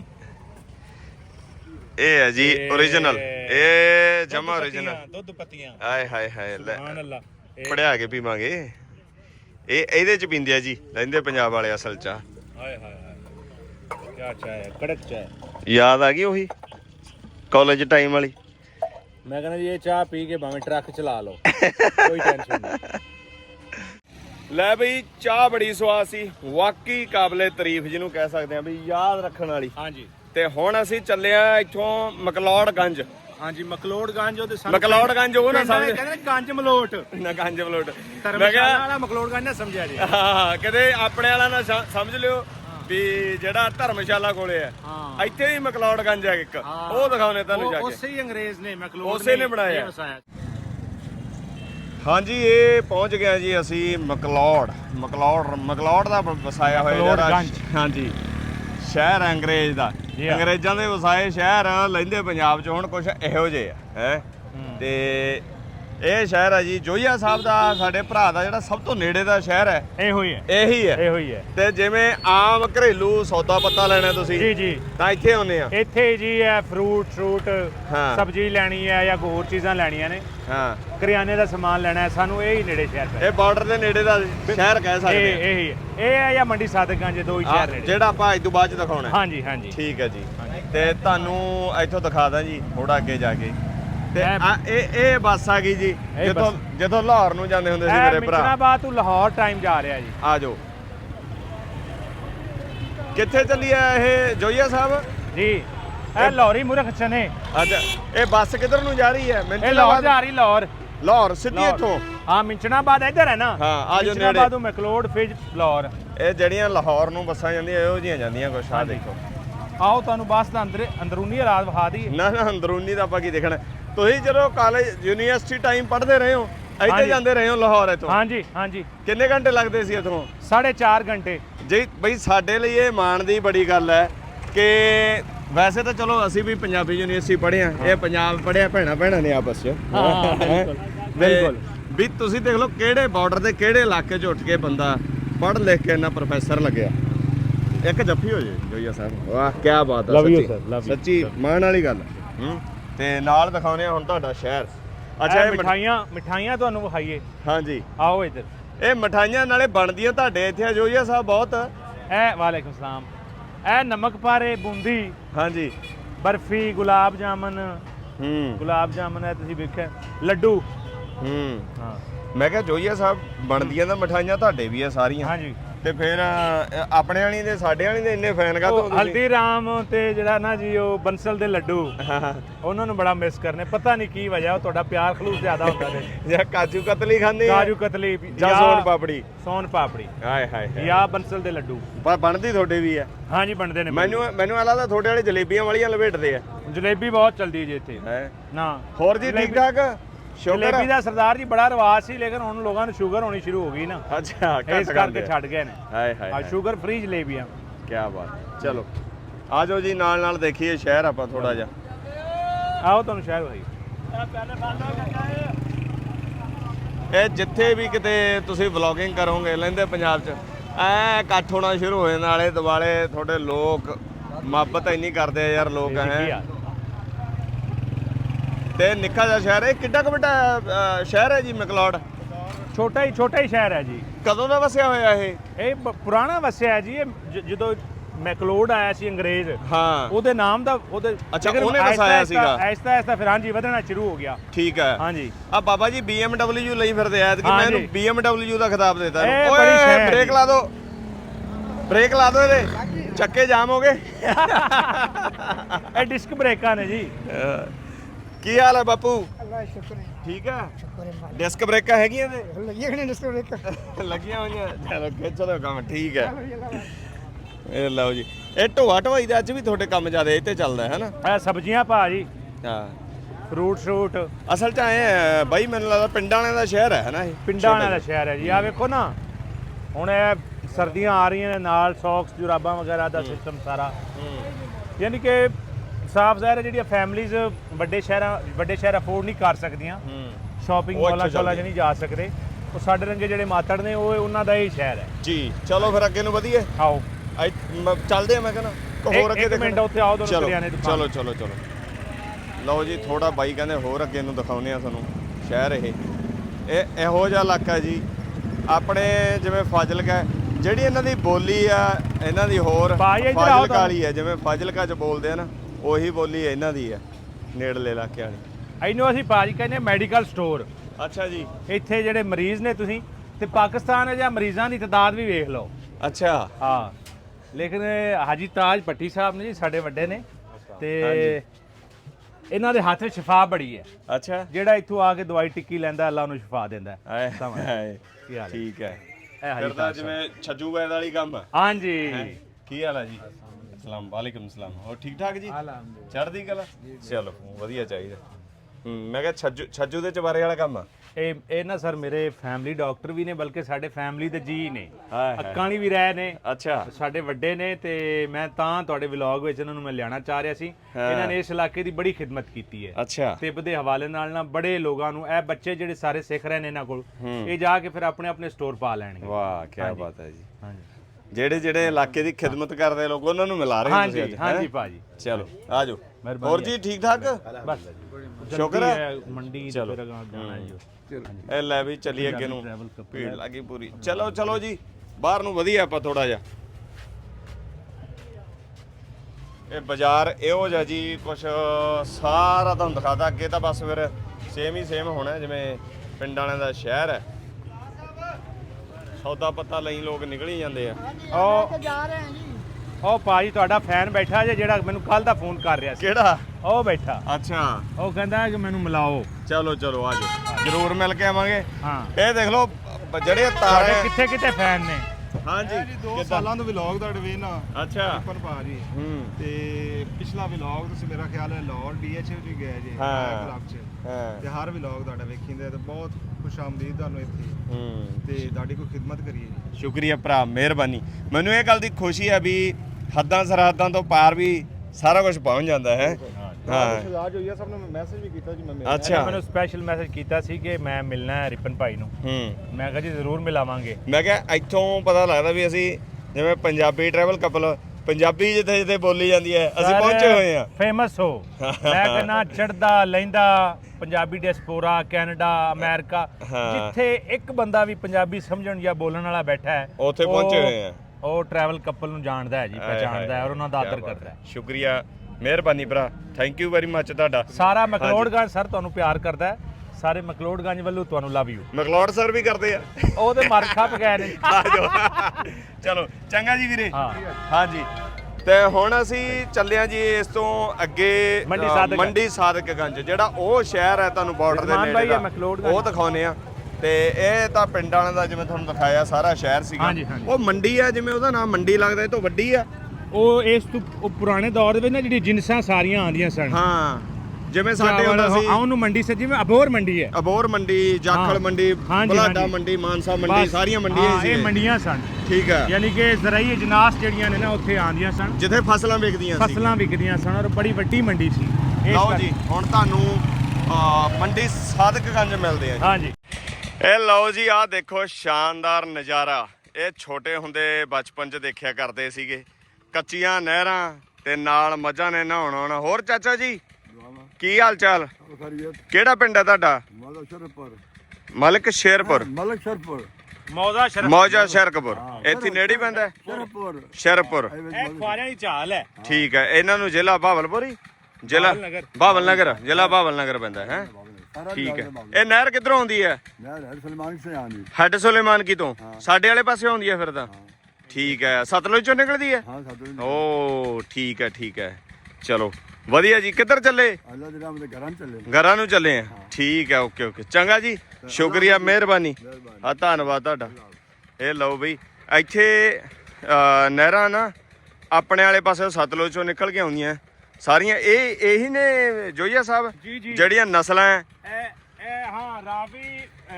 S1: ਇਹ ਹੈ ਜੀ ओरिजिनल, ਇਹ ਜਮਾ ओरिजिनल
S2: ਦੁੱਧ ਪੱਤੀਆਂ।
S1: ਆਏ ਹਾਏ ਹਾਏ, ਲੈ
S2: ਸੁਭਾਨ ਅੱਲਾ।
S1: ਪੜਿਆ ਕੇ ਪੀਵਾਂਗੇ। ਇਹ ਇਹਦੇ ਚ ਪੀਂਦੇ ਆ ਜੀ ਲੈਂਦੇ ਪੰਜਾਬ ਵਾਲੇ ਅਸਲ ਚਾਹ।
S2: ਹਾਏ ਹਾਏ ਹਾਏ, ਕੀ ਚਾਹ ਹੈ, ਕੜਕ ਚਾਹ।
S1: ਯਾਦ ਆ ਗਈ ਉਹੀ ਕਾਲਜ ਟਾਈਮ ਵਾਲੀ।
S2: ਮੈਂ ਕਹਿੰਦਾ ਜੀ ਇਹ ਚਾਹ ਪੀ ਕੇ ਭਾਵੇਂ ਟਰੱਕ ਚਲਾ ਲਓ, ਕੋਈ ਟੈਨਸ਼ਨ ਨਹੀਂ।
S1: ਲੈ ਬਈ, ਚਾਹ ਬੜੀ ਸਵਾਦ ਸੀ, ਵਾਕਈ ਕਾਬਲੇ ਤਾਰੀਫ ਜਿਹਨੂੰ ਕਹਿ ਸਕਦੇ ਆ ਵੀ ਯਾਦ ਰੱਖਣ ਵਾਲੀ।
S2: ਹਾਂਜੀ।
S1: ਤੇ ਹੁਣ ਅਸੀਂ ਚੱਲੇ ਆ ਇੱਥੋਂ ਮਕਲੌੜਗੰਜ।
S2: ਹਾਂਜੀ, ਮਕਲੋੜਗੰਜ ਉਹਦੇ
S1: ਮਕਲੌੜਗੰਜ ਉਹ ਨਾ ਸਮਝ,
S2: ਕਹਿੰਦੇ ਗੰਜ ਮਲੋਟ
S1: ਨਾ ਗੰਜ ਮਲੋਟ। ਮੈਂ
S2: ਧਰਮਸ਼ਾਲਾ
S1: ਕਿਹਾ
S2: ਵਾਲਾ ਮਕਲੋੜਗੰਜ ਨਾ ਸਮਝਿਆ ਜੀ।
S1: ਹਾਂ, ਕਿਤੇ ਆਪਣੇ ਵਾਲਾ ਨਾ ਸਮਝ ਲਿਓ ਵੀ ਜਿਹੜਾ ਧਰਮਸ਼ਾਲਾ ਕੋਲੇ ਆ,
S2: ਹਾਂ,
S1: ਇੱਥੇ ਹੀ ਮਕਲੌੜਗੰਜ ਹੈ ਇੱਕ, ਉਹ ਦਿਖਾਉਣੇ ਤੁਹਾਨੂੰ ਜਾ ਕੇ।
S2: ਉਸੇ ਹੀ ਅੰਗਰੇਜ਼ ਨੇ ਮਕਲੋੜ
S1: ਉਸੇ ਨੇ ਬਣਾਇਆ। ਹਾਂਜੀ, ਇਹ ਪਹੁੰਚ ਗਿਆ ਜੀ ਅਸੀਂ ਮਕਲੌੜ ਦਾ ਵਸਾਇਆ ਹੋਇਆ ਜਿਹੜਾ, ਹਾਂਜੀ, ਸ਼ਹਿਰ ਅੰਗਰੇਜ਼ ਦਾ। ਅੰਗਰੇਜ਼ਾਂ ਦੇ ਵਸਾਏ ਸ਼ਹਿਰ ਲੈਂਦੇ ਪੰਜਾਬ ਚ ਹੁਣ ਕੁਝ ਇਹੋ ਜਿਹੇ ਆ ਹੈ। ਤੇ ਇਹ ਸ਼ਹਿਰ ਹੈ ਜੀ ਜੋਈਆ ਸਾਹਿਬ ਦਾ, ਸਾਡੇ ਭਰਾ ਦਾ ਜਿਹੜਾ ਸਭ ਤੋਂ ਨੇੜੇ ਦਾ ਸ਼ਹਿਰ ਹੈ।
S2: ਇਹੋ ਹੀ ਹੈ,
S1: ਇਹੀ ਹੈ,
S2: ਇਹੋ ਹੀ ਹੈ।
S1: ਤੇ ਜਿਵੇਂ ਆਮ ਘਰੇਲੂ ਸੌਦਾ ਪੱਤਾ ਲੈਣਾ ਤੁਸੀਂ
S2: ਜੀ ਜੀ
S1: ਤਾਂ ਇੱਥੇ ਆਉਂਦੇ ਆ।
S2: ਇੱਥੇ ਜੀ ਇਹ ਫਰੂਟ
S1: ਹਾਂ।
S2: ਸਬਜ਼ੀ ਲੈਣੀ ਹੈ ਜਾਂ ਹੋਰ ਚੀਜ਼ਾਂ ਲੈਣੀਆਂ ਨੇ,
S1: ਹਾਂ,
S2: ਕਰਿਆਨੇ ਦਾ ਸਮਾਨ ਲੈਣਾ ਹੈ, ਸਾਨੂੰ ਇਹ ਹੀ ਨੇੜੇ ਸ਼ਹਿਰ ਪੈ।
S1: ਇਹ ਬਾਰਡਰ ਦੇ ਨੇੜੇ ਦਾ ਸ਼ਹਿਰ ਕਹਿ ਸਕਦੇ ਆ।
S2: ਇਹੀ ਹੈ, ਇਹ ਹੈ ਜਾਂ ਮੰਡੀ ਸਾਦਕਗੰਜ, ਦੋ ਹੀ ਸ਼ਹਿਰ ਨੇੜੇ।
S1: ਜਿਹੜਾ ਆਪਾਂ ਅੱਜ ਤੋਂ ਬਾਅਦ ਚ ਦਿਖਾਉਣਾ।
S2: ਹਾਂਜੀ ਹਾਂਜੀ,
S1: ਠੀਕ ਹੈ ਜੀ। ਤੇ ਤੁਹਾਨੂੰ ਇੱਥੋਂ ਦਿਖਾ ਦਾਂ ਜੀ ਥੋੜਾ ਅੱਗੇ ਜਾ ਕੇ। ਤੇ ਇਹ ਬੱਸ ਆ ਗਈ ਜੀ ਜਦੋਂ ਲਾਹੌਰ ਨੂੰ ਜਾਂਦੇ ਹੁੰਦੇ ਸੀ ਮੇਰੇ ਭਰਾ।
S2: ਮਿੰਚਨਾਬਾਦ ਤੋਂ ਲਾਹੌਰ ਟਾਈਮ ਜਾ ਰਿਹਾ ਜੀ।
S1: ਆ ਜਾਓ। ਕਿੱਥੇ ਚੱਲੀ ਆ ਇਹ ਜੋਈਆ ਸਾਹਿਬ
S2: ਜੀ? ਇਹ ਲਾਹੌਰੀ ਮੁਰਖ ਚਨੇ।
S1: ਅੱਛਾ, ਇਹ ਬੱਸ ਕਿੱਧਰ ਨੂੰ ਜਾ ਰਹੀ ਹੈ?
S2: ਇਹ ਲਾਹੌਰ ਜਾ ਰਹੀ,
S1: ਲਾਹੌਰ ਸਿੱਧੀ ਇੱਥੋਂ।
S2: ਹਾਂ, ਮਿੰਚਨਾਬਾਦ ਇੱਧਰ ਹੈ ਨਾ।
S1: ਹਾਂ, ਆ ਜਾਓ ਨੇੜੇ।
S2: ਮਿੰਚਨਾਬਾਦ ਤੋਂ ਮੈਕਲੋਡ ਫਿਰ ਲਾਹੌਰ।
S1: ਇਹ ਜਿਹੜੀਆਂ ਲਾਹੌਰ ਨੂੰ ਬੱਸਾਂ ਜਾਂਦੀਆਂ ਇਹੋ ਜਿਹੀਆਂ ਜਾਂਦੀਆਂ ਕੁਛ। ਆ ਦੇਖੋ,
S2: ਆਓ ਤੁਹਾਨੂੰ ਬੱਸ ਦਾ ਅੰਦਰੂਨੀ ਹਾਲਾਤ ਵਿਖਾ ਦਈਏ।
S1: ਨਾ ਅੰਦਰੂਨੀ ਦਾ ਆਪਾਂ ਕੀ ਦੇਖਣਾ। ਤੁਸੀਂ ਜਦੋਂ ਕਾਲਜ ਯੂਨੀਵਰਸਿਟੀ ਟਾਈਮ ਪੜ੍ਹਦੇ ਰਹੇ ਹੋ ਇੱਥੇ ਜਾਂਦੇ ਰਹੇ ਹੋ ਲਾਹੌਰ ਇੱਥੋਂ?
S2: ਹਾਂਜੀ ਹਾਂਜੀ।
S1: ਕਿੰਨੇ ਘੰਟੇ ਲੱਗਦੇ ਸੀ ਇੱਥੋਂ?
S2: 4.5 ਘੰਟੇ।
S1: ਜੀ ਬਈ, ਸਾਡੇ ਲਈ ਇਹ ਮਾਣ ਦੀ ਬੜੀ ਗੱਲ ਹੈ ਕਿ ਵੈਸੇ ਤਾਂ ਚਲੋ ਅਸੀਂ ਵੀ ਪੰਜਾਬੀ ਯੂਨੀਵਰਸਿਟੀ ਪੜ੍ਹੇ ਆ, ਇਹ ਪੰਜਾਬ ਪੜ੍ਹਿਆ ਭੈਣਾਂ ਨੇ ਆਪਸ 'ਚ। ਬਿਲਕੁਲ। ਵੀ ਤੁਸੀਂ ਦੇਖ ਲਓ ਕਿਹੜੇ ਬਾਰਡਰ ਦੇ ਕਿਹੜੇ ਇਲਾਕੇ 'ਚ ਉੱਠ ਕੇ ਬੰਦਾ ਪੜ੍ਹ ਲਿਖ ਕੇ ਇੰਨਾ ਪ੍ਰੋਫੈਸਰ ਲੱਗਿਆ। ਇੱਕ ਜੱਫੀ ਹੋ ਜੇ ਜੋਈਆ ਸਾਹਿਬ, ਵਾਹ ਕੀ ਬਾਤ ਹੈ, ਸੱਚੀ ਮਾਣ ਵਾਲੀ ਗੱਲ। ਤੇ ਨਾਲ ਦਿਖਾਉਨੇ ਆ ਹੁਣ ਤੁਹਾਡਾ ਸ਼ਹਿਰ। ਅੱਛਾ, ਇਹ
S2: ਮਿਠਾਈਆਂ ਤੁਹਾਨੂੰ ਵਿਖਾਈਏ।
S1: ਹਾਂਜੀ,
S2: ਆਓ ਇੱਧਰ।
S1: ਇਹ ਮਠਾਈਆਂ ਨਾਲੇ ਬਣਦੀਆਂ ਤੁਹਾਡੇ ਇੱਥੇ ਜੋਈਆ ਸਾਹਿਬ ਬਹੁਤ।
S2: ਇਹ ਵਾਲੇਕੁਮ ਸਲਾਮ। ਇਹ ਨਮਕ ਪਾਰੇ, ਬੂੰਦੀ,
S1: ਹਾਂਜੀ,
S2: ਬਰਫੀ, ਗੁਲਾਬ ਜਾਮਨ। ਗੁਲਾਬ ਜਾਮਨ ਹੈ, ਤੁਸੀਂ ਵੇਖਿਆ, ਲੱਡੂ। ਹਾਂ,
S1: ਮੈਂ ਕਿਹਾ ਜੋਈਆ ਸਾਹਿਬ ਬਣਦੀਆਂ ਤਾਂ ਮਠਾਈਆਂ ਤੁਹਾਡੇ ਵੀ ਆ ਸਾਰੀਆਂ।
S2: ਹਾਂਜੀ।
S1: ਤੇ ਫਿਰ ਆਪਣੇ ਵਾਲੀ ਦੇ ਸਾਡੇ ਵਾਲੀ ਦੇ ਇੰਨੇ ਫੈਨ ਕਾ ਤੋਂ?
S2: ਹਲਦੀਰਾਮ ਤੇ ਜਿਹੜਾ ਨਾ ਜੀ ਉਹ ਬੰਸਲ ਦੇ ਲੱਡੂ, ਉਹਨਾਂ ਨੂੰ ਬੜਾ ਮਿਸ ਕਰਨੇ, ਪਤਾ ਨਹੀਂ ਕੀ ਵਜ੍ਹਾ। ਉਹ ਤੁਹਾਡਾ ਪਿਆਰ ਖਲੂਸ ਜ਼ਿਆਦਾ ਹੁੰਦਾ ਨੇ।
S1: ਜਾਂ ਕਾਜੂ ਕਤਲੀ ਖਾਂਦੇ?
S2: ਕਾਜੂ ਕਤਲੀ
S1: ਜਾਂ ਸੋਨ ਪਾਪੜੀ?
S2: ਸੋਨ ਪਾਪੜੀ।
S1: ਹਾਏ ਹਾਏ।
S2: ਜਾਂ ਬੰਸਲ ਦੇ ਲੱਡੂ।
S1: ਪਰ ਬਣਦੀ ਤੁਹਾਡੇ ਵੀ ਆ?
S2: ਹਾਂਜੀ, ਬਣਦੇ ਨੇ।
S1: ਮੈਨੂੰ ਇਹ ਲੱਗਦਾ ਤੁਹਾਡੇ ਵਾਲੇ ਜਲੇਬੀਆਂ ਵਾਲੀਆਂ ਲਪੇਟਦੇ ਆ।
S2: ਜਲੇਬੀ ਬਹੁਤ ਚਲਦੀ ਜੀ ਇੱਥੇ। ਨਾ
S1: ਹੋਰ ਜੀ ਠੀਕ ਠਾਕ?
S2: ਜਲੇਬੀ ਦਾ ਸਰਦਾਰ ਜੀ ਬੜਾ ਰਿਵਾਜ ਸੀ, ਲੇਕਿਨ ਹੁਣ ਲੋਕਾਂ ਨੂੰ ਸ਼ੂਗਰ ਹੋਣੀ ਸ਼ੁਰੂ ਹੋ ਗਈ ਨਾ।
S1: ਅੱਛਾ,
S2: ਇਸ ਕਰਕੇ ਛੱਡ ਗਏ ਨੇ।
S1: ਹਾਏ ਹਾਏ,
S2: ਸ਼ੂਗਰ ਫ੍ਰੀ ਜਲੇਬੀਆਂ।
S1: ਕੀ ਬਾਤ। ਚਲੋ ਆ ਜਾਓ ਜੀ, ਨਾਲ ਦੇਖੀਏ ਸ਼ਹਿਰ ਆਪਾਂ ਥੋੜਾ ਜਿਹਾ।
S2: ਆਓ ਤੁਹਾਨੂੰ ਸ਼ਹਿਰ ਹੋਈ।
S1: ਇਹ ਜਿੱਥੇ ਵੀ ਕਿਤੇ ਤੁਸੀਂ ਵਲੌਗਿੰਗ ਕਰੋਗੇ ਲੈਂਦੇ ਪੰਜਾਬ 'ਚ, ਐ ਇਕੱਠ ਹੋਣਾ ਸ਼ੁਰੂ ਹੋ ਜਾਂਦਾ ਆਲੇ ਦੁਆਲੇ। ਤੁਹਾਡੇ ਲੋਕ ਮੁਹੱਬਤ ਇੰਨੀ ਕਰਦੇ ਆ ਯਾਰ ਲੋਕ। ਹੈ ਤੇ ਨਿੱਕਾ ਜਿਹਾ ਸ਼ਹਿਰ। ਇਹ ਕਿੱਡਾ ਕੁ ਵੱਡਾ ਸ਼ਹਿਰ ਹੈ ਜੀ ਮਕਲੌੜ?
S2: ਛੋਟਾ ਹੀ ਸ਼ਹਿਰ ਹੈ ਜੀ।
S1: ਕਦੋਂ ਦਾ ਵਸਿਆ ਹੋਇਆ ਇਹ?
S2: ਇਹ ਪੁਰਾਣਾ ਵਸਿਆ ਜੀ। ਇਹ ਜਦੋਂ ਮੈਕਲੋਡ ਆਇਆ ਸੀ ਅੰਗਰੇਜ਼,
S1: ਹਾਂ
S2: ਉਹਦੇ ਨਾਮ ਦਾ ਉਹਦੇ
S1: ਅੱਛਾ ਉਹਨੇ ਵਸਾਇਆ ਸੀਗਾ।
S2: ਐਸਤਾ ਫਿਰ ਹਾਂਜੀ ਵਧਣਾ ਸ਼ੁਰੂ ਹੋ ਗਿਆ।
S1: ਠੀਕ ਹੈ
S2: ਹਾਂਜੀ।
S1: ਆ ਬਾਬਾ ਜੀ BMW ਲਈ ਫਿਰਦੇ ਆ ਕਿ ਮੈਂ ਇਹਨੂੰ BMW ਦਾ ਖਿਤਾਬ ਦੇਤਾ।
S2: ਓਏ
S1: ਬ੍ਰੇਕ ਲਾ ਦੋ, ਬ੍ਰੇਕ ਲਾ ਦੋ, ਇਹਦੇ ਚੱਕੇ ਜਾਮ ਹੋ ਗਏ।
S2: ਇਹ ਡਿਸਕ ਬ੍ਰੇਕਾਂ ਨੇ ਜੀ।
S1: ਕੀ ਹਾਲ ਹੈ ਬਾਪੂ?
S3: ਅੱਲਾ ਸ਼ੁਕਰ ਹੈ।
S1: ਠੀਕ ਹੈ।
S3: ਸ਼ੁਕਰ ਹੈ ਮਾਲਕ।
S1: ਡਿਸਕ ਬ੍ਰੇਕਾਂ ਹੈਗੀਆਂ ਤੇ
S3: ਲੱਗੀਆਂ ਕਿ ਨਹੀਂ ਡਿਸਕ ਬ੍ਰੇਕ?
S1: ਲੱਗੀਆਂ ਹੋਈਆਂ। ਚਲੋ ਖਿੱਚੋ ਦਾ ਕੰਮ ਠੀਕ ਹੈ। ਇਹ ਲਓ ਜੀ, ਇਹ ਢੋਆ ਢਵਾਈ ਦਾ ਅੱਜ ਵੀ ਤੁਹਾਡੇ ਕੰਮ ਜ਼ਿਆਦਾ ਇਹ ਤੇ ਚੱਲਦਾ ਹੈ ਨਾ?
S2: ਇਹ ਸਬਜ਼ੀਆਂ ਭਾਜੀ,
S1: ਹਾਂ
S2: ਫਰੂਟ ਸ਼ਰੂਟ।
S1: ਅਸਲ 'ਚ ਐ ਬਾਈ ਮੈਨੂੰ ਲੱਗਦਾ ਪਿੰਡਾਂ ਵਾਲਿਆਂ ਦਾ ਸ਼ਹਿਰ ਹੈ ਨਾ ਇਹ?
S2: ਪਿੰਡਾਂ ਵਾਲਿਆਂ ਦਾ ਸ਼ਹਿਰ ਹੈ ਜੀ। ਆ ਵੇਖੋ ਨਾ, ਹੁਣ ਇਹ ਸਰਦੀਆਂ ਆ ਰਹੀਆਂ ਨੇ, ਨਾਲ ਸੌਕਸ ਜੁਰਾਬਾਂ ਵਗੈਰਾ ਦਾ ਸਿਸਟਮ ਸਾਰਾ। ਯਾਨੀ ਕਿ ਸਾਫ ਜ਼ਾਹਿਰ ਹੈ ਜਿਹੜੀਆਂ ਫੈਮਲੀਜ਼ ਵੱਡੇ ਸ਼ਹਿਰ ਅਫੋਰਡ ਨਹੀਂ ਕਰ ਸਕਦੀਆਂ, ਸ਼ਾਪਿੰਗ ਮਾਲਾਂ ਸ਼ਾਲਾਂ 'ਚ ਨਹੀਂ ਜਾ ਸਕਦੇ, ਉਹ ਸਾਡੇ ਰੰਗੇ ਜਿਹੜੇ ਮਾਤੜ ਨੇ ਉਹ ਉਹਨਾਂ ਦਾ ਹੀ ਸ਼ਹਿਰ ਹੈ ਜੀ।
S1: ਚਲੋ ਫਿਰ ਅੱਗੇ ਨੂੰ ਵਧੀਏ।
S2: ਆਓ
S1: ਚੱਲਦੇ ਆ। ਮੈਂ ਕਹਿੰਦਾ ਹੋਰ ਅੱਗੇ
S2: ਇੱਕ ਮਿੰਟ ਉੱਥੇ ਆਓ, ਦੋਨੋਂ ਕਰਿਆਨੇ ਦੀ ਦੁਕਾਨ।
S1: ਚਲੋ ਲਓ ਜੀ, ਥੋੜਾ ਬਾਈ ਕਹਿੰਦੇ ਹੋਰ ਅੱਗੇ ਨੂੰ ਦਿਖਾਉਂਦੇ ਆ ਤੁਹਾਨੂੰ ਸ਼ਹਿਰ। ਇਹ ਇਹੋ ਜਿਹਾ ਇਲਾਕਾ ਜੀ ਆਪਣੇ ਜਿਵੇਂ ਫਾਜ਼ਿਲਕਾ, ਜਿਹੜੀ ਇਹਨਾਂ ਦੀ ਬੋਲੀ ਆ ਇਹਨਾਂ ਦੀ ਹੋਰ ਫਾਜ਼ਿਲਕਾ ਵਾਲੀ ਹੈ, ਜਿਵੇਂ ਫਾਜ਼ਿਲਕਾ 'ਚ ਬੋਲਦੇ ਆ ਨਾ ਉਹੀ ਬੋਲੀ ਇਹਨਾਂ ਦੀ ਹੈ, ਨੇੜਲੇ ਇਲਾਕੇ ਵਾਲੀ।
S2: ਇਹਨੂੰ ਅਸੀਂ ਭਾਜੀ ਕਹਿੰਦੇ ਮੈਡੀਕਲ ਸਟੋਰ।
S1: ਅੱਛਾ ਜੀ।
S2: ਇੱਥੇ ਜਿਹੜੇ ਮਰੀਜ਼ ਨੇ ਤੁਸੀਂ ਤੇ ਪਾਕਿਸਤਾਨ ਜਾਂ ਮਰੀਜ਼ਾਂ ਦੀ ਤਾਦਾਦ ਵੀ ਵੇਖ ਲਓ।
S1: ਅੱਛਾ
S2: ਹਾਂ, ਲੇਕਿਨ ਹਾਜੀ ਤਾਜ ਭੱਟੀ ਸਾਹਿਬ ਨੇ ਜੀ ਸਾਡੇ ਵੱਡੇ ਨੇ, ਤੇ ਇਹਨਾਂ ਦੇ ਹੱਥ ਵਿੱਚ ਸ਼ਿਫਾ ਬੜੀ ਹੈ।
S1: ਅੱਛਾ।
S2: ਜਿਹੜਾ ਇੱਥੋਂ ਆ ਕੇ ਦਵਾਈ ਟਿੱਕੀ ਲੈਂਦਾ ਅੱਲਾ ਉਹਨੂੰ ਸ਼ਿਫਾ ਦਿੰਦਾ।
S1: ਠੀਕ ਹੈ।
S2: ਇਹ
S1: ਫਿਰਦਾ ਜਿਵੇਂ ਛੱਜੂ ਵੈਦ ਵਾਲੀ ਕੰਮ।
S2: ਹਾਂਜੀ।
S1: ਕੀ ਹਾਲ ਹੈ ਜੀ? ਸਲਾਮ ਵਾਲੇਕੁਮ ਸਲਾਮ। ਹੋਰ ਠੀਕ ਠਾਕ ਜੀ? ਚੜ੍ਹਦੀ ਕਲਾ। ਚਲੋ ਵਧੀਆ ਚਾਹੀਦਾ। ਮੈਂ ਕਿਹਾ ਛੱਜੂ ਦੇ ਚਵਾਰੇ ਵਾਲਾ ਕੰਮ ਆ
S2: ਇਹ ਨਾ ਸਰ ਮੇਰੇ ਫੈਮਿਲੀ ਡਾਕਟਰ ਵੀ ਨੇ, ਬਲਕਿ ਸਾਡੇ ਫੈਮਿਲੀ ਦੇ ਜੀ ਨੇ, ਅੱਕਾਂ ਵਾਲੀ ਵੀ ਰਹੇ ਨੇ।
S1: ਅੱਛਾ।
S2: ਸਾਡੇ ਵੱਡੇ ਨੇ, ਤੇ ਮੈਂ ਤਾਂ ਤੁਹਾਡੇ ਵਲੌਗ ਵਿੱਚ ਇਹਨਾਂ ਨੂੰ ਮੈਂ ਲਿਆਣਾ ਚਾਹ ਰਿਹਾ ਸੀ। ਇਹਨਾਂ ਨੇ ਇਸ ਇਲਾਕੇ ਦੀ ਬੜੀ ਖਿਦਮਤ ਕੀਤੀ ਹੈ।
S1: ਅੱਛਾ।
S2: ਤਿੱਬ ਦੇ ਹਵਾਲੇ ਨਾਲ ਬੜੇ ਲੋਕਾਂ ਨੂੰ, ਇਹ ਬੱਚੇ ਜਿਹੜੇ ਸਾਰੇ ਸਿੱਖ ਰਹੇ ਨੇ ਇਹਨਾਂ ਕੋਲ, ਇਹ ਜਾ ਕੇ ਫਿਰ ਆਪਣੇ ਆਪਣੇ ਸਟੋਰ ਪਾ ਲੈਣਗੇ।
S1: ਵਾਹ ਕੀ ਬਾਤ ਹੈ ਜੀ।
S2: ਹਾਂਜੀ।
S1: ਜਿਹੜੇ ਇਲਾਕੇ ਦੀ ਖਿਦਮਤ ਕਰਦੇ ਲੋਕ ਉਹਨਾਂ ਨੂੰ ਮਿਲਾ ਰਹੇ ਹੋ ਤੁਸੀਂ ਅੱਜ?
S2: ਹਾਂਜੀ ਭਾਜੀ।
S1: ਚਲੋ ਆ ਜਾਓ। ਹੋਰ ਜੀ ਠੀਕ ਠਾਕ?
S2: ਬਸ
S1: ਸ਼ੁਕਰ ਹੈ।
S2: ਮੰਡੀ
S1: ਚਲੋ
S2: ਜਾਣਾ ਜੀ।
S1: ਇਹ ਲੈ ਵੀ ਚੱਲੀ ਅੱਗੇ ਨੂੰ, ਭੀੜ ਲੱਗੀ ਪੂਰੀ। ਚਲੋ ਜੀ ਬਾਹਰ ਨੂੰ ਵਧੀਆ ਆਪਾਂ ਥੋੜਾ ਜਿਹਾ। ਇਹ ਬਾਜ਼ਾਰ ਇਹੋ ਜਿਹਾ ਜੀ ਕੁਛ ਸਾਰਾ ਤੁਹਾਨੂੰ ਦਿਖਾਦਾ। ਅੱਗੇ ਤਾਂ ਬਸ ਫਿਰ ਸੇਮ ਹੀ ਸੇਮ ਹੋਣਾ ਜਿਵੇਂ ਪਿੰਡ ਵਾਲਿਆਂ ਦਾ ਸ਼ਹਿਰ ਹੈ। ਸੌਦਾ ਪੱਤਾ ਲਈ ਲੋਕ ਨਿਕਲ ਹੀ ਜਾਂਦੇ ਆ।
S2: ਉਹ ਭਾਜੀ ਤੁਹਾਡਾ ਫੈਨ ਬੈਠਾ ਜੇ, ਜਿਹੜਾ ਮੈਨੂੰ ਕੱਲ ਦਾ ਫੋਨ ਕਰ ਰਿਹਾ ਸੀ।
S1: ਕਿਹੜਾ?
S2: ਉਹ ਬੈਠਾ।
S1: ਅੱਛਾ।
S2: ਉਹ ਕਹਿੰਦਾ ਕਿ ਮੈਨੂੰ ਮਿਲਾਓ।
S1: ਚਲੋ ਆ ਜਾਓ, ਜ਼ਰੂਰ ਮਿਲ ਕੇ ਆਵਾਂਗੇ।
S2: ਹਾਂ।
S1: ਇਹ ਦੇਖ ਲਓ ਜਿਹੜੇ ਤਾਰੇ
S2: ਕਿੱਥੇ ਫੈਨ ਨੇ।
S1: ਹਾਂਜੀ
S4: 2 ਸਾਲਾਂ ਤੋਂ ਵਲੌਗ ਤੁਹਾਡੇ ਵੇਖਣਾ।
S1: ਅੱਛਾ।
S4: ਪਰ ਭਾਜੀ ਤੇ ਪਿਛਲਾ ਵਲੌਗ ਤੁਸੀਂ ਮੇਰਾ ਖਿਆਲ ਹੈ ਲਾਹੌਰ DH ਵੀ ਗਏ ਜੇ ਕਲੱਬ 'ਚ, ਤੇ ਹਰ ਵਲੌਗ ਤੁਹਾਡਾ ਵੇਖਿੰਦੇ ਤੇ ਬਹੁਤ ਖੁਸ਼ ਆਮਦੀਦ ਤੁਹਾਨੂੰ ਇੱਥੇ, ਤੇ ਤੁਹਾਡੀ ਕੋਈ ਖਿਦਮਤ ਕਰੀਏ ਜੀ।
S1: ਸ਼ੁਕਰੀਆ ਭਰਾ, ਮਿਹਰਬਾਨੀ। ਮੈਨੂੰ ਇਹ ਗੱਲ ਦੀ ਖੁਸ਼ੀ ਹੈ ਵੀ ਹੱਦਾਂ ਸਰਹੱਦਾਂ ਤੋਂ ਪਾਰ ਵੀ ਸਾਰਾ ਕੁਝ ਪਹੁੰਚ ਜਾਂਦਾ ਹੈ।
S4: ਹਾਂ ਸ਼ੁਜਾਜ ਹੋਈ ਆ, ਸਭ ਨੂੰ ਮੈਸੇਜ ਵੀ ਕੀਤਾ ਜੀ ਮੈਂ ਮਿਲਿਆ।
S1: ਅੱਛਾ।
S2: ਮੈਨੂੰ ਸਪੈਸ਼ਲ ਮੈਸੇਜ ਕੀਤਾ ਸੀ ਕਿ ਮੈਂ ਮਿਲਣਾ ਹੈ ਰਿਪਨ ਭਾਈ ਨੂੰ। ਮੈਂ ਕਿਹਾ ਜੀ ਜ਼ਰੂਰ ਮਿਲਾਵਾਂਗੇ।
S1: ਮੈਂ ਕਿਹਾ ਇੱਥੋਂ ਪਤਾ ਲੱਗਦਾ ਵੀ ਅਸੀਂ ਜਿਵੇਂ ਪੰਜਾਬੀ ਟਰੈਵਲ ਕਪਲ, ਪੰਜਾਬੀ ਜਿੱਥੇ ਬੋਲੀ ਜਾਂਦੀ ਹੈ ਅਸੀਂ ਪਹੁੰਚੇ ਹੋਏ ਆ।
S2: ਫੇਮਸ ਹੋ। ਮੈਂ ਕਹਿੰਦਾ ਚੜਦਾ ਲੈਂਦਾ ਪੰਜਾਬੀ ਡਿਆਸਪੋਰਾ, ਕੈਨੇਡਾ, ਅਮਰੀਕਾ, ਜਿੱਥੇ ਇੱਕ ਬੰਦਾ ਵੀ ਪੰਜਾਬੀ ਸਮਝਣ ਜਾਂ ਬੋਲਣ ਵਾਲਾ ਬੈਠਾ ਹੈ
S1: ਉੱਥੇ ਪਹੁੰਚੇ ਹੋਏ ਆ।
S2: ਉਹ ਟਰੈਵਲ ਕਪਲ ਨੂੰ ਜਾਣਦਾ ਹੈ ਜੀ, ਪਛਾਣਦਾ ਹੈ ਔਰ ਉਹਨਾਂ ਦਾ ਆਦਰ ਕਰਦਾ ਹੈ।
S1: ਸ਼ੁਕਰੀਆ, ਮਿਹਰਬਾਨੀ ਭਰਾ, ਥੈਂਕ ਯੂ ਵੈਰੀ ਮੱਚ ਤੁਹਾਡਾ।
S2: ਸਾਰਾ ਮਕਲੋੜਗੰਜ ਸਰ ਤੁਹਾਨੂੰ ਪਿਆਰ ਕਰਦਾ ਹੈ। ਸਾਰੇ ਮਕਲੋੜਗੰਜ ਵੱਲੋਂ ਤੁਹਾਨੂੰ ਲਵ ਯੂ।
S1: ਮਕਲੋੜ ਸਰ ਵੀ ਕਰਦੇ ਆ।
S2: ਉਹ ਤੇ ਮਰ ਖੱਪ ਗਏ ਨੇ।
S1: ਚਲੋ ਚੰਗਾ ਜੀ ਵੀਰੇ।
S2: ਹਾਂ
S1: ਹਾਂਜੀ। ਤੇ ਹੁਣ ਅਸੀਂ ਚੱਲੇ ਆ ਜੀ ਇਸ ਤੋਂ ਅੱਗੇ ਮੰਡੀ ਸਾਦਕਗੰਜ, ਜਿਹੜਾ ਉਹ ਸ਼ਹਿਰ ਹੈ ਤੁਹਾਨੂੰ ਬਾਰਡਰ ਦੇ ਨੇੜੇ ਦਾ, ਉਹ ਦਿਖਾਉਨੇ ਆ। ਤੇ ਇਹ ਤਾਂ ਪਿੰਡ ਵਾਲਿਆਂ ਦਾ ਜਿਵੇਂ ਤੁਹਾਨੂੰ ਦਿਖਾਇਆ ਸਾਰਾ ਸ਼ਹਿਰ ਸੀਗਾ। ਉਹ ਮੰਡੀ ਆ, ਜਿਵੇਂ ਉਹਦਾ ਨਾਮ ਮੰਡੀ ਲੱਗਦਾ, ਇਹ ਤੋਂ ਵੱਡੀ ਆ।
S2: ਉਹ ਇਸ ਤੋਂ ਪੁਰਾਣੇ ਦੌਰ ਦੇ ਵਿੱਚ ਨਾ ਜਿਹੜੀ ਜਿੰਸਾਂ ਸਾਰੀਆਂ ਆਉਂਦੀਆਂ ਸਨ।
S1: ਹਾਂ, ਜਿਵੇਂ ਸਾਡੇ ਹੁੰਦਾ ਸੀ
S2: ਉਹਨੂੰ ਮੰਡੀ ਸੇ, ਜਿਵੇਂ ਅਬੋਹਰ ਮੰਡੀ ਹੈ,
S1: ਅਬੋਹਰ ਮੰਡੀ, ਜਾਖਲ ਮੰਡੀ, ਬਲਾਡਾ ਮੰਡੀ, ਮਾਨਸਾ ਮੰਡੀ, ਸਾਰੀਆਂ ਮੰਡੀਆਂ ਸੀ।
S2: ਇਹ ਮੰਡੀਆਂ ਸਨ।
S1: ਠੀਕ ਹੈ।
S2: ਯਾਨੀ ਕਿ ਜ਼ਰਾਈ ਅਜਨਾਸ ਜਿਹੜੀਆਂ ਨੇ ਨਾ ਉੱਥੇ ਆਉਂਦੀਆਂ ਸਨ,
S1: ਜਿੱਥੇ ਫਸਲਾਂ ਵਿਕਦੀਆਂ ਸੀ।
S2: ਫਸਲਾਂ ਵਿਕਦੀਆਂ ਸਨ ਔਰ ਬੜੀ ਵੱਡੀ ਮੰਡੀ ਸੀ।
S1: ਲਓ ਜੀ ਹੁਣ ਤੁਹਾਨੂੰ ਮੰਡੀ ਸਾਦਕਗੰਜ ਮਿਲਦੇ ਆ।
S2: ਹਾਂਜੀ।
S1: ਇਹ ਲਓ ਜੀ, ਆਹ ਦੇਖੋ ਸ਼ਾਨਦਾਰ ਨਜ਼ਾਰਾ। ਇਹ ਛੋਟੇ ਹੁੰਦੇ ਬਚਪਨ 'ਚ ਦੇਖਿਆ ਕਰਦੇ ਸੀਗੇ, ਕੱਚੀਆਂ ਨਹਿਰਾਂ ਤੇ ਨਾਲ ਮੱਝਾਂ ਨੇ ਨਹਾਉਣ ਆਉਣਾ। ਹੋਰ ਚਾਚਾ ਜੀ ਕੀ ਹਾਲ ਚਾਲ? ਕਿਹੜਾ ਪਿੰਡ ਹੈ ਤੁਹਾਡਾ? ਮਲਕ ਸ਼ੇਰਪੁਰ। ਮੌਜਾ ਸ਼ਰਕਪੁਰ ਇੱਥੇ ਨੇੜੇ ਪੈਂਦਾ ਸ਼ਰਪੁਰ
S2: ਇਹ ਖੁਆਰਿਆਂ ਦੀ ਝਾਲ ਹੈ।
S1: ਠੀਕ ਹੈ। ਇਹਨਾਂ ਨੂੰ ਜ਼ਿਲ੍ਹਾ ਭਾਵਲਪੁਰ ਹੀ ਜ਼ਿਲ੍ਹਾ ਭਾਵਲ ਨਗਰ ਜ਼ਿਲ੍ਹਾ ਭਾਵਲ ਨਗਰ ਪੈਂਦਾ ਹੈ। ਠੀਕ ਹੈ। ਇਹ ਨਹਿਰ ਕਿੱਧਰੋਂ ਆਉਂਦੀ ਹੈ? ਹੈਡ ਸੁਲੇਮਾਨ ਕੀ ਤੋਂ ਸਾਡੇ ਵਾਲੇ ਪਾਸੇ ਆਉਂਦੀ ਹੈ ਫਿਰ ਤਾਂ। ਠੀਕ ਹੈ। ਸਤਲੁਜ ਚੋਂ ਨਿਕਲਦੀ ਹੈ? ਓ ਠੀਕ ਹੈ ਠੀਕ ਹੈ। ਚਲੋ ਵਧੀਆ ਜੀ। ਕਿੱਧਰ ਚੱਲੇ? ਘਰਾਂ ਨੂੰ ਚੱਲੇ ਆ। ਠੀਕ ਹੈ। ਓਕੇ ਓਕੇ ਚੰਗਾ ਜੀ ਸ਼ੁਕਰੀਆ ਮਿਹਰਬਾਨੀ ਹਾਂ ਧੰਨਵਾਦ ਤੁਹਾਡਾ। ਇਹ ਲਓ ਬਈ ਇੱਥੇ ਨਹਿਰਾਂ ਨਾ ਆਪਣੇ ਵਾਲੇ ਪਾਸੇ ਸਤਲੁਜ ਚੋਂ ਨਿਕਲ ਕੇ ਆਉਂਦੀਆਂ ਸਾਰੀਆਂ। ਇਹੀ ਨੇ ਜੋਈਆ ਸਾਹਿਬ ਜਿਹੜੀਆਂ ਨਸਲਾਂ ਹੈ
S2: ਇਹ ਹਾਂ ਰਾਵੀ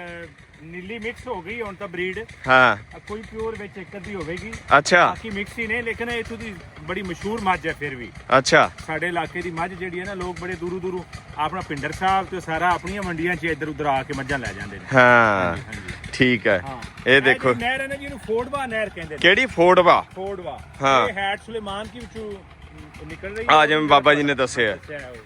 S2: ਨੀਲੀ ਮਿਕਸ ਹੋ ਗਈ ਹੁਣ ਤਾਂ ਬਰੀਡ।
S1: ਹਾਂ
S2: ਕੋਈ ਪਿਓਰ ਵਿੱਚ ਇੱਕ ਅੱਧੀ ਹੋਵੇਗੀ।
S1: ਅੱਛਾ
S2: ਬਾਕੀ ਮਿਕਸ ਹੀ ਨੇ ਲੇਕਿਨ ਇੱਥੋਂ ਦੀ ਬੜੀ ਮਸ਼ਹੂਰ ਮੱਝ ਹੈ ਫਿਰ ਵੀ।
S1: ਅੱਛਾ
S2: ਸਾਡੇ ਇਲਾਕੇ ਦੀ ਮੱਝ ਜਿਹੜੀ ਹੈ ਨਾ ਲੋਕ ਬੜੇ ਦੂਰੋਂ ਦੂਰੋਂ ਆਪਣਾ ਪਿੰਡਰ ਸਾਹਿਬ ਤੇ ਸਾਰਾ ਆਪਣੀਆਂ ਮੰਡੀਆਂ 'ਚ ਇੱਧਰ ਉੱਧਰ ਆ ਕੇ ਮੱਝਾਂ ਲੈ ਜਾਂਦੇ ਨੇ।
S1: ਹਾਂ ਠੀਕ ਹੈ। ਇਹ ਦੇਖੋ
S2: ਨਹਿਰ ਹੈ ਨਾ ਜਿਹਨੂੰ ਫੋੜਵਾ ਨਹਿਰ ਕਹਿੰਦੇ ਨੇ।
S1: ਕਿਹੜੀ ਫੋੜਵਾ?
S2: ਫੋੜਵਾ
S1: ਹਾਂ।
S2: ਇਹ ਹੈਡ ਸੁਲੇਮਾਨ ਕੀ ਵਿੱਚੋਂ ਨਿਕਲ ਰਹੀ
S1: ਆ ਜਿਵੇਂ ਬਾਬਾ ਜੀ ਨੇ ਦੱਸਿਆ।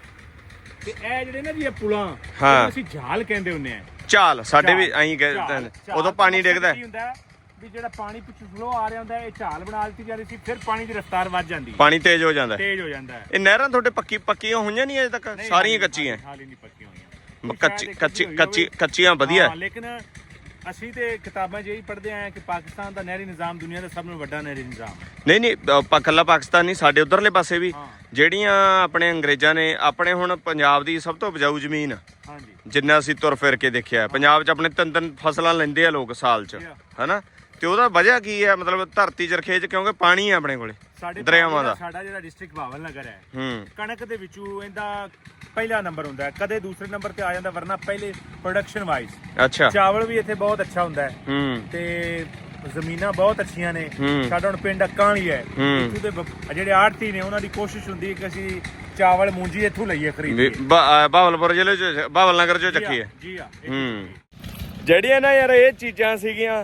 S2: ਤੇ ਇਹ ਜਿਹੜੇ ਨਾ ਜੀ ਇਹ ਪੁਲਾਂ
S1: ਹਾਂ
S2: ਅਸੀਂ ਝਾਲ ਕਹਿੰਦੇ ਹੁੰਦੇ ਆ।
S1: ਝਾਲ ਸਾਡੇ ਵੀ ਐਂ ਕਹਿੰਦੇ ਉਦੋਂ ਪਾਣੀ ਡਿੱਗਦਾ
S2: ਵੀ ਜਿਹੜਾ ਪਾਣੀ ਪਿੱਛੋਂ ਫਲੋ ਆ ਰਿਹਾ ਹੁੰਦਾ ਇਹ ਝਾਲ ਬਣਾ ਦਿੱਤੀ ਜਾਂਦੀ ਸੀ ਫਿਰ ਪਾਣੀ ਦੀ ਰਫ਼ਤਾਰ ਵੱਧ ਜਾਂਦੀ
S1: ਪਾਣੀ ਤੇਜ਼ ਹੋ ਜਾਂਦਾ
S2: ਤੇਜ਼ ਹੋ ਜਾਂਦਾ।
S1: ਇਹ ਨਹਿਰਾਂ ਤੁਹਾਡੇ ਪੱਕੀਆਂ ਹੋਈਆਂ ਨਹੀਂ ਅਜੇ ਤੱਕ? ਸਾਰੀਆਂ ਕੱਚੀਆਂ
S2: ਹਾਲੇ ਨਹੀਂ ਪੱਕੀਆਂ ਹੋਈਆਂ।
S1: ਕੱਚੀਆਂ ਵਧੀਆ।
S2: ਲੇਕਿਨ ਅਸੀਂ ਤੇ ਕਿਤਾਬਾਂ 'ਚ ਇਹੀ ਪੜ੍ਹਦੇ ਆਏ ਕਿ ਪਾਕਿਸਤਾਨ ਦਾ ਨਹਿਰੀ ਨਿਜ਼ਾਮ ਦੁਨੀਆ ਦਾ ਸਭ ਤੋਂ ਵੱਡਾ ਨਹਿਰੀ ਨਿਜ਼ਾਮ।
S1: ਨਹੀਂ ਕੱਲਾ ਪਾਕਿਸਤਾਨ ਨਹੀਂ ਸਾਡੇ ਉਧਰਲੇ ਪਾਸੇ ਵੀ ਜਿਹੜੀਆਂ ਆਪਣੇ ਅੰਗਰੇਜ਼ਾਂ ਨੇ ਆਪਣੇ ਹੁਣ ਪੰਜਾਬ ਦੀ ਸਭ ਤੋਂ ਉਪਜਾਊ ਜ਼ਮੀਨ ਜਿੰਨਾ ਅਸੀਂ ਤੁਰ ਫਿਰ ਕੇ ਦੇਖਿਆ ਪੰਜਾਬ 'ਚ ਆਪਣੇ ਤਿੰਨ ਫਸਲਾਂ ਲੈਂਦੇ ਆ ਲੋਕ ਸਾਲ 'ਚ ਹਨਾ। ਤੇ ਉਹਦਾ ਵਜ੍ਹਾ ਕੀ ਹੈ? ਮਤਲਬ ਧਰਤੀ ਜਰਖੇਜ ਕਿਉਂਕਿ ਪਾਣੀ ਹੈ ਆਪਣੇ ਕੋਲੇ ਦਰਿਆਵਾਂ ਦਾ।
S2: ਸਾਡਾ ਜਿਹੜਾ ਡਿਸਟ੍ਰਿਕਟ ਭਾਵਲ ਨਗਰ ਹੈ ਕਣਕ ਦੇ ਵਿੱਚੋਂ ਇਹਦਾ ਪਹਿਲਾ ਨੰਬਰ ਹੁੰਦਾ ਹੈ ਕਦੇ ਦੂਸਰੇ ਨੰਬਰ ਤੇ ਆ ਜਾਂਦਾ ਵਰਨਾ ਪਹਿਲੇ ਪ੍ਰੋਡਕਸ਼ਨ ਵਾਈਜ਼।
S1: ਅੱਛਾ
S2: ਚਾਵਲ ਵੀ ਇੱਥੇ ਬਹੁਤ ਅੱਛਾ ਹੁੰਦਾ ਹੈ ਤੇ ਜ਼ਮੀਨਾਂ ਬਹੁਤ ਅੱਛੀਆਂ ਨੇ। ਸਾਡਾ ਹੁਣ ਪਿੰਡ ਅੱਕਾਂ ਵਾਲੀ ਹੈ ਇੱਥੋਂ ਦੇ ਜਿਹੜੇ ਆੜਤੀ ਨੇ ਉਹਨਾਂ ਦੀ ਕੋਸ਼ਿਸ਼ ਹੁੰਦੀ ਹੈ ਕਿ ਅਸੀਂ ਚਾਵਲ ਮੂੰਜੀ ਇੱਥੋਂ ਲਈਏ ਖਰੀਦ ਕੇ।
S1: ਭਾਵਲਪੁਰ ਜ਼ਿਲ੍ਹੇ ਚ ਭਾਵਲ ਨਗਰ ਚੋਂ ਚੱਕੀ ਹੈ
S2: ਜੀ ਆ।
S1: ਜਿਹੜੀਆਂ ਨਾ ਯਾਰ ਇਹ ਚੀਜ਼ਾਂ ਸੀਗੀਆਂ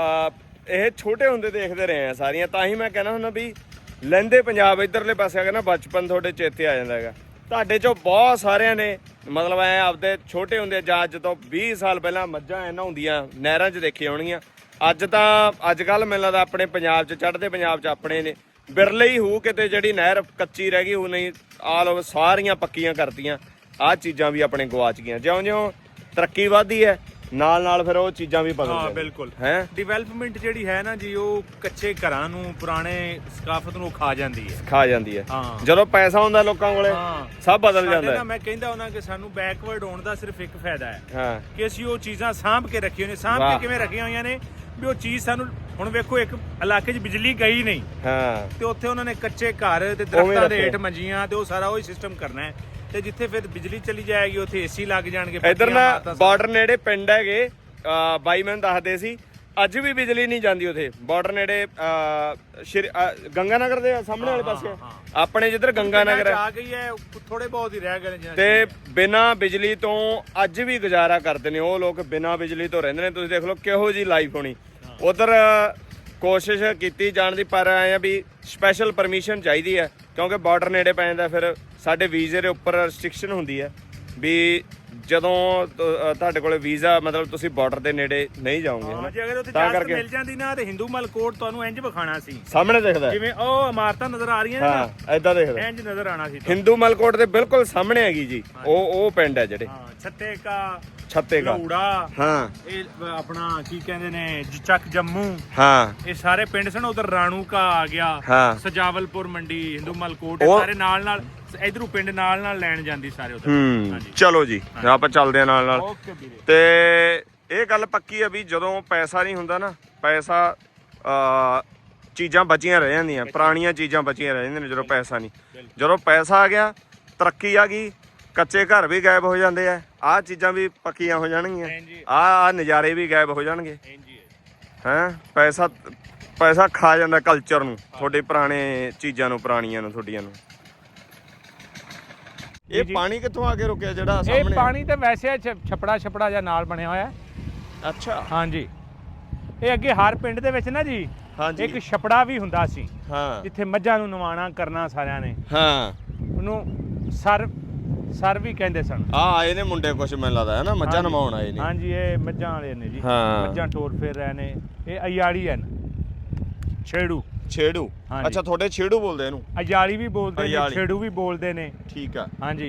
S1: ਇਹ ਛੋਟੇ ਹੁੰਦੇ ਦੇਖਦੇ ਰਹੇ ਆ ਸਾਰੀਆਂ। ਤਾਂ ਹੀ ਮੈਂ ਕਹਿੰਦਾ ਹੁੰਦਾ ਵੀ ਲਹਿੰਦੇ ਪੰਜਾਬ ਇੱਧਰਲੇ ਪਾਸੇ ਆ ਕੇ ਨਾ ਬਚਪਨ ਤੁਹਾਡੇ ਚੇਤੇ ਆ ਜਾਂਦਾ ਹੈਗਾ। ਤੁਹਾਡੇ ਚੋਂ ਬਹੁਤ ਸਾਰਿਆਂ ਨੇ ਮਤਲਬ ਐ ਆਪਦੇ ਛੋਟੇ ਹੁੰਦੇ ਜਾਂ ਅੱਜ ਤੋਂ 20 ਸਾਲ ਪਹਿਲਾਂ ਮੱਝਾਂ ਐ ਨਹਾਉਂਦੀਆਂ ਨਹਿਰਾਂ 'ਚ ਦੇਖੀ ਹੋਣਗੀਆਂ। ਅੱਜ ਕੱਲ ਮੈਨੂੰ ਲੱਗਦਾ ਆਪਣੇ ਪੰਜਾਬ 'ਚ ਚੜ੍ਹਦੇ ਪੰਜਾਬ 'ਚ ਆਪਣੇ ਨੇ ਬਿਰਲੇ ਹੀ ਹੋਊ ਕਿਤੇ ਜਿਹੜੀ ਨਹਿਰ ਕੱਚੀ ਰਹਿ ਗਈ ਉਹ ਨਹੀਂ ਆਲ ਓਵਰ ਸਾਰੀਆਂ ਪੱਕੀਆਂ ਕਰਤੀਆਂ। ਆਹ ਚੀਜ਼ਾਂ ਵੀ ਆਪਣੇ ਗਵਾਚ ਗਈਆਂ। ਜਿਉਂ-ਜਿਉਂ ਤਰੱਕੀ ਵੱਧਦੀ ਹੈ ਨਾਲ ਫਿਰ ਉਹ ਚੀਜ਼ਾਂ ਵੀ ਬਦਲ ਜਾਂਦੀਆਂ।
S2: ਬਿਲਕੁਲ
S1: ਹੈ
S2: ਡਿਵੈਲਪਮੈਂਟ ਜਿਹੜੀ ਹੈ ਨਾ ਜੀ ਉਹ ਕੱਚੇ ਘਰਾਂ ਨੂੰ ਪੁਰਾਣੇ ਸਕਾਫਤ ਨੂੰ ਖਾ ਜਾਂਦੀ ਹੈ। ਜਦੋਂ ਪੈਸਾ ਹੁੰਦਾ ਲੋਕਾਂ ਕੋਲੇ ਸਭ ਬਦਲ ਜਾਂਦਾ ਹੈ। ਮੈਂ ਕਹਿੰਦਾ ਉਹਨਾਂ ਕਿ ਸਾਨੂੰ ਬੈਕਵਰਡ ਹੋਣ ਦਾ ਸਿਰਫ ਇੱਕ ਫਾਇਦਾ ਹੈ ਕਿ ਅਸੀਂ ਉਹ ਚੀਜ਼ਾਂ ਸਾਂਭ ਕੇ ਰੱਖੀਆਂ ਨੇ। ਸਾਂਭ ਕੇ ਕਿਵੇਂ ਰੱਖੀਆਂ ਹੋਈਆਂ ਨੇ ਵੀ ਉਹ ਚੀਜ਼ ਸਾਨੂੰ ਹੁਣ ਵੇਖੋ ਇੱਕ ਇਲਾਕੇ 'ਚ ਬਿਜਲੀ ਗਈ ਨਹੀਂ ਤੇ ਉੱਥੇ ਉਹਨਾਂ ਨੇ ਕੱਚੇ ਘਰ ਤੇ ਦਰਖਤਾਂ ਦੇ ਹੇਠ ਮੰਜੀਆਂ ਤੇ ਉਹ ਸਾਰਾ ਉਹੀ ਸਿਸਟਮ ਕਰਨਾ ਹੈ ਤੇ ਜਿੱਥੇ ਫਿਰ ਬਿਜਲੀ ਚਲੀ ਜਾਏਗੀ ਉੱਥੇ ਏਸੀ ਲੱਗ ਜਾਣਗੇ।
S1: ਇਧਰ ਨਾ ਬਾਰਡਰ ਨੇੜੇ ਪਿੰਡ ਹੈਗੇ ਬਾਈ ਮੈਨੂੰ ਦੱਸਦੇ ਸੀ ਅੱਜ ਵੀ ਬਿਜਲੀ ਨਹੀਂ ਜਾਂਦੀ ਉੱਥੇ ਬਾਰਡਰ ਨੇੜੇ ਗੰਗਾ ਨਗਰ ਦੇ ਸਾਹਮਣੇ ਵਾਲੇ ਪਾਸੇ ਆਪਣੇ ਜਿੱਧਰ ਗੰਗਾ ਨਗਰ
S2: ਆ ਗਈ ਹੈ ਥੋੜੇ ਬਹੁਤ ਹੀ ਰਹਿ ਗਏ ਨੇ
S1: ਤੇ ਬਿਨਾਂ ਬਿਜਲੀ ਤੋਂ ਅੱਜ ਵੀ ਗੁਜ਼ਾਰਾ ਕਰਦੇ ਨੇ ਉਹ ਲੋਕ ਬਿਨਾਂ ਬਿਜਲੀ ਤੋਂ ਰਹਿੰਦੇ ਨੇ। ਤੁਸੀਂ ਦੇਖ ਲਓ ਕਿਹੋ ਜੀ ਲਾਈਫ ਹੋਣੀ ਉਧਰ। ਕੋਸ਼ਿਸ਼ ਕੀਤੀ ਜਾਣ ਦੀ ਪਰ ਆਏ ਆ ਵੀ ਸਪੈਸ਼ਲ ਪਰਮਿਸ਼ਨ ਚਾਹੀਦੀ ਹੈ ਕਿਉਂਕਿ ਬਾਰਡਰ ਨੇੜੇ ਪੈ ਜਾਂਦਾ। ਫਿਰ ਸਾਡੇ ਵੀਜ਼ੇ ਦੇ ਉੱਪਰ ਰੈਸਟ੍ਰਿਕਸ਼ਨ ਹੁੰਦੀ ਹੈ ਵੀ ਜਦੋਂ ਤੁਹਾਡੇ ਕੋਲੇ ਵੀਜ਼ਾ ਮਤਲਬ ਤੁਸੀਂ ਬਾਰਡਰ ਦੇ ਨੇੜੇ ਨਹੀਂ ਜਾਓਗੇ
S2: ਜੇ ਅਗਰ ਉੱਥੇ ਇਜਾਜ਼ਤ ਮਿਲ ਜਾਂਦੀ ਨਾ ਤੇ ਹਿੰਦੂ ਮਲ ਕੋਟ ਤੁਹਾਨੂੰ ਇੰਜ ਵਿਖਾਣਾ ਸੀ
S1: ਸਾਹਮਣੇ ਦਿਖਦਾ
S2: ਜਿਵੇਂ ਉਹ ਇਮਾਰਤਾਂ ਨਜ਼ਰ ਆ ਰਹੀਆਂ ਨੇ ਨਾ
S1: ਐਦਾਂ ਦਿਖਦਾ
S2: ਇੰਜ ਨਜ਼ਰ ਆਣਾ ਸੀ।
S1: ਹਿੰਦੂ ਮਲ ਕੋਟ ਦੇ ਬਿਲਕੁਲ ਸਾਹਮਣੇ ਹੈਗੀ ਜੀ ਉਹ ਪਿੰਡ ਹੈ ਜਿਹੜੇ ਛੱਤੇ ਕਾ ਹਾਂ
S2: ਇਹ ਆਪਣਾ ਕੀ ਕਹਿੰਦੇ ਨੇ ਚੱਕ ਜੰਮੂ ਇਹ ਸਾਰੇ ਪਿੰਡ ਸਨ। ਉਧਰ ਰਾਣੂ ਕਾ ਆ ਗਿਆ ਸਜਾਵਲਪੁਰ ਮੰਡੀ ਹਿੰਦੂ ਮਲ ਕੋਟ ਸਾਰੇ ਨਾਲ ਇਧਰੋਂ ਪਿੰਡ ਨਾਲ ਲੈਣ ਜਾਂਦੀ ਸਾਰੇ ਉਧਰ।
S1: ਚਲੋ ਜੀ ਆਪਾਂ ਚੱਲਦੇ ਆ ਨਾਲ ਤੇ ਇਹ ਗੱਲ ਪੱਕੀ ਆ ਵੀ ਜਦੋਂ ਪੈਸਾ ਨਹੀਂ ਹੁੰਦਾ ਨਾ ਪੈਸਾ ਚੀਜ਼ਾਂ ਬਚੀਆਂ ਰਹਿ ਜਾਂਦੀਆਂ ਪੁਰਾਣੀਆਂ ਚੀਜ਼ਾਂ ਬਚੀਆਂ ਰਹਿ ਜਾਂਦੀਆਂ ਨੇ ਜਦੋਂ ਪੈਸਾ ਨਹੀਂ। ਜਦੋਂ ਪੈਸਾ ਆ ਗਿਆ ਤਰੱਕੀ ਆ ਗਈ ਕੱਚੇ ਘਰ ਵੀ ਗਾਇਬ ਹੋ ਜਾਂਦੇ ਆ ਆਹ ਚੀਜ਼ਾਂ ਵੀ ਪੱਕੀਆਂ ਹੋ ਜਾਣਗੀਆਂ ਆਹ ਨਜ਼ਾਰੇ ਵੀ ਗਾਇਬ ਹੋ ਜਾਣਗੇ ਪੈਸਾ ਖਾ ਜਾਂਦਾ ਕਲਚਰ ਨੂੰ ਤੁਹਾਡੇ ਪੁਰਾਣੇ ਚੀਜ਼ਾਂ ਨੂੰ ਪੁਰਾਣੀਆਂ ਨੂੰ ਤੁਹਾਡੀਆਂ ਨੂੰ। ਇਹ ਪਾਣੀ ਕਿੱਥੋਂ ਆ ਕੇ ਰੁਕਿਆ ਜਿਹੜਾ ਸਾਹਮਣੇ?
S2: ਇਹ ਪਾਣੀ ਤੇ ਵੈਸੇ ਛਪੜਾ ਜਿਹਾ ਨਾਲ ਬਣਿਆ ਹੋਇਆ।
S1: ਅੱਛਾ
S2: ਹਾਂਜੀ ਇਹ ਅੱਗੇ ਹਰ ਪਿੰਡ ਦੇ ਵਿੱਚ ਨਾ ਜੀ ਇੱਕ ਛਪੜਾ ਵੀ ਹੁੰਦਾ ਸੀ ਜਿੱਥੇ ਮੱਝਾਂ ਨੂੰ ਨਵਾਣਾ ਕਰਨਾ ਸਾਰਿਆਂ ਨੇ। ਉਹਨੂੰ ਸਰ ਵੀ ਕਹਿੰਦੇ ਸਨ।
S1: ਆ ਆਏ ਨੇ ਮੁੰਡੇ ਕੁਛ ਮੈਨੂੰ ਲੱਗਦਾ ਹੈ ਨਾ, ਮੱਝਾਂ ਨਮਾਉਣ ਆਏ ਨੇ।
S2: ਹਾਂਜੀ ਇਹ ਮੱਝਾਂ ਵਾਲੇ ਨੇ ਜੀ,
S1: ਹਾਂ।
S2: ਮੱਝਾਂ ਟੋਰ ਫੇਰ ਰਹੇ ਨੇ। ਇਹ ਅਯਾਲੀ ਹਨ, ਛੇੜੂ।
S1: ਛੇੜੂ,
S2: ਹਾਂਜੀ।
S1: ਅੱਛਾ ਤੁਹਾਡੇ ਛੇੜੂ ਬੋਲਦੇ ਇਹਨੂੰ?
S2: ਅਯਾਲੀ ਵੀ ਬੋਲਦੇ ਨੇ,
S1: ਅਯਾਲੀ।
S2: ਛੇੜੂ ਵੀ ਬੋਲਦੇ ਨੇ।
S1: ਠੀਕ ਆ।
S2: ਹਾਂਜੀ।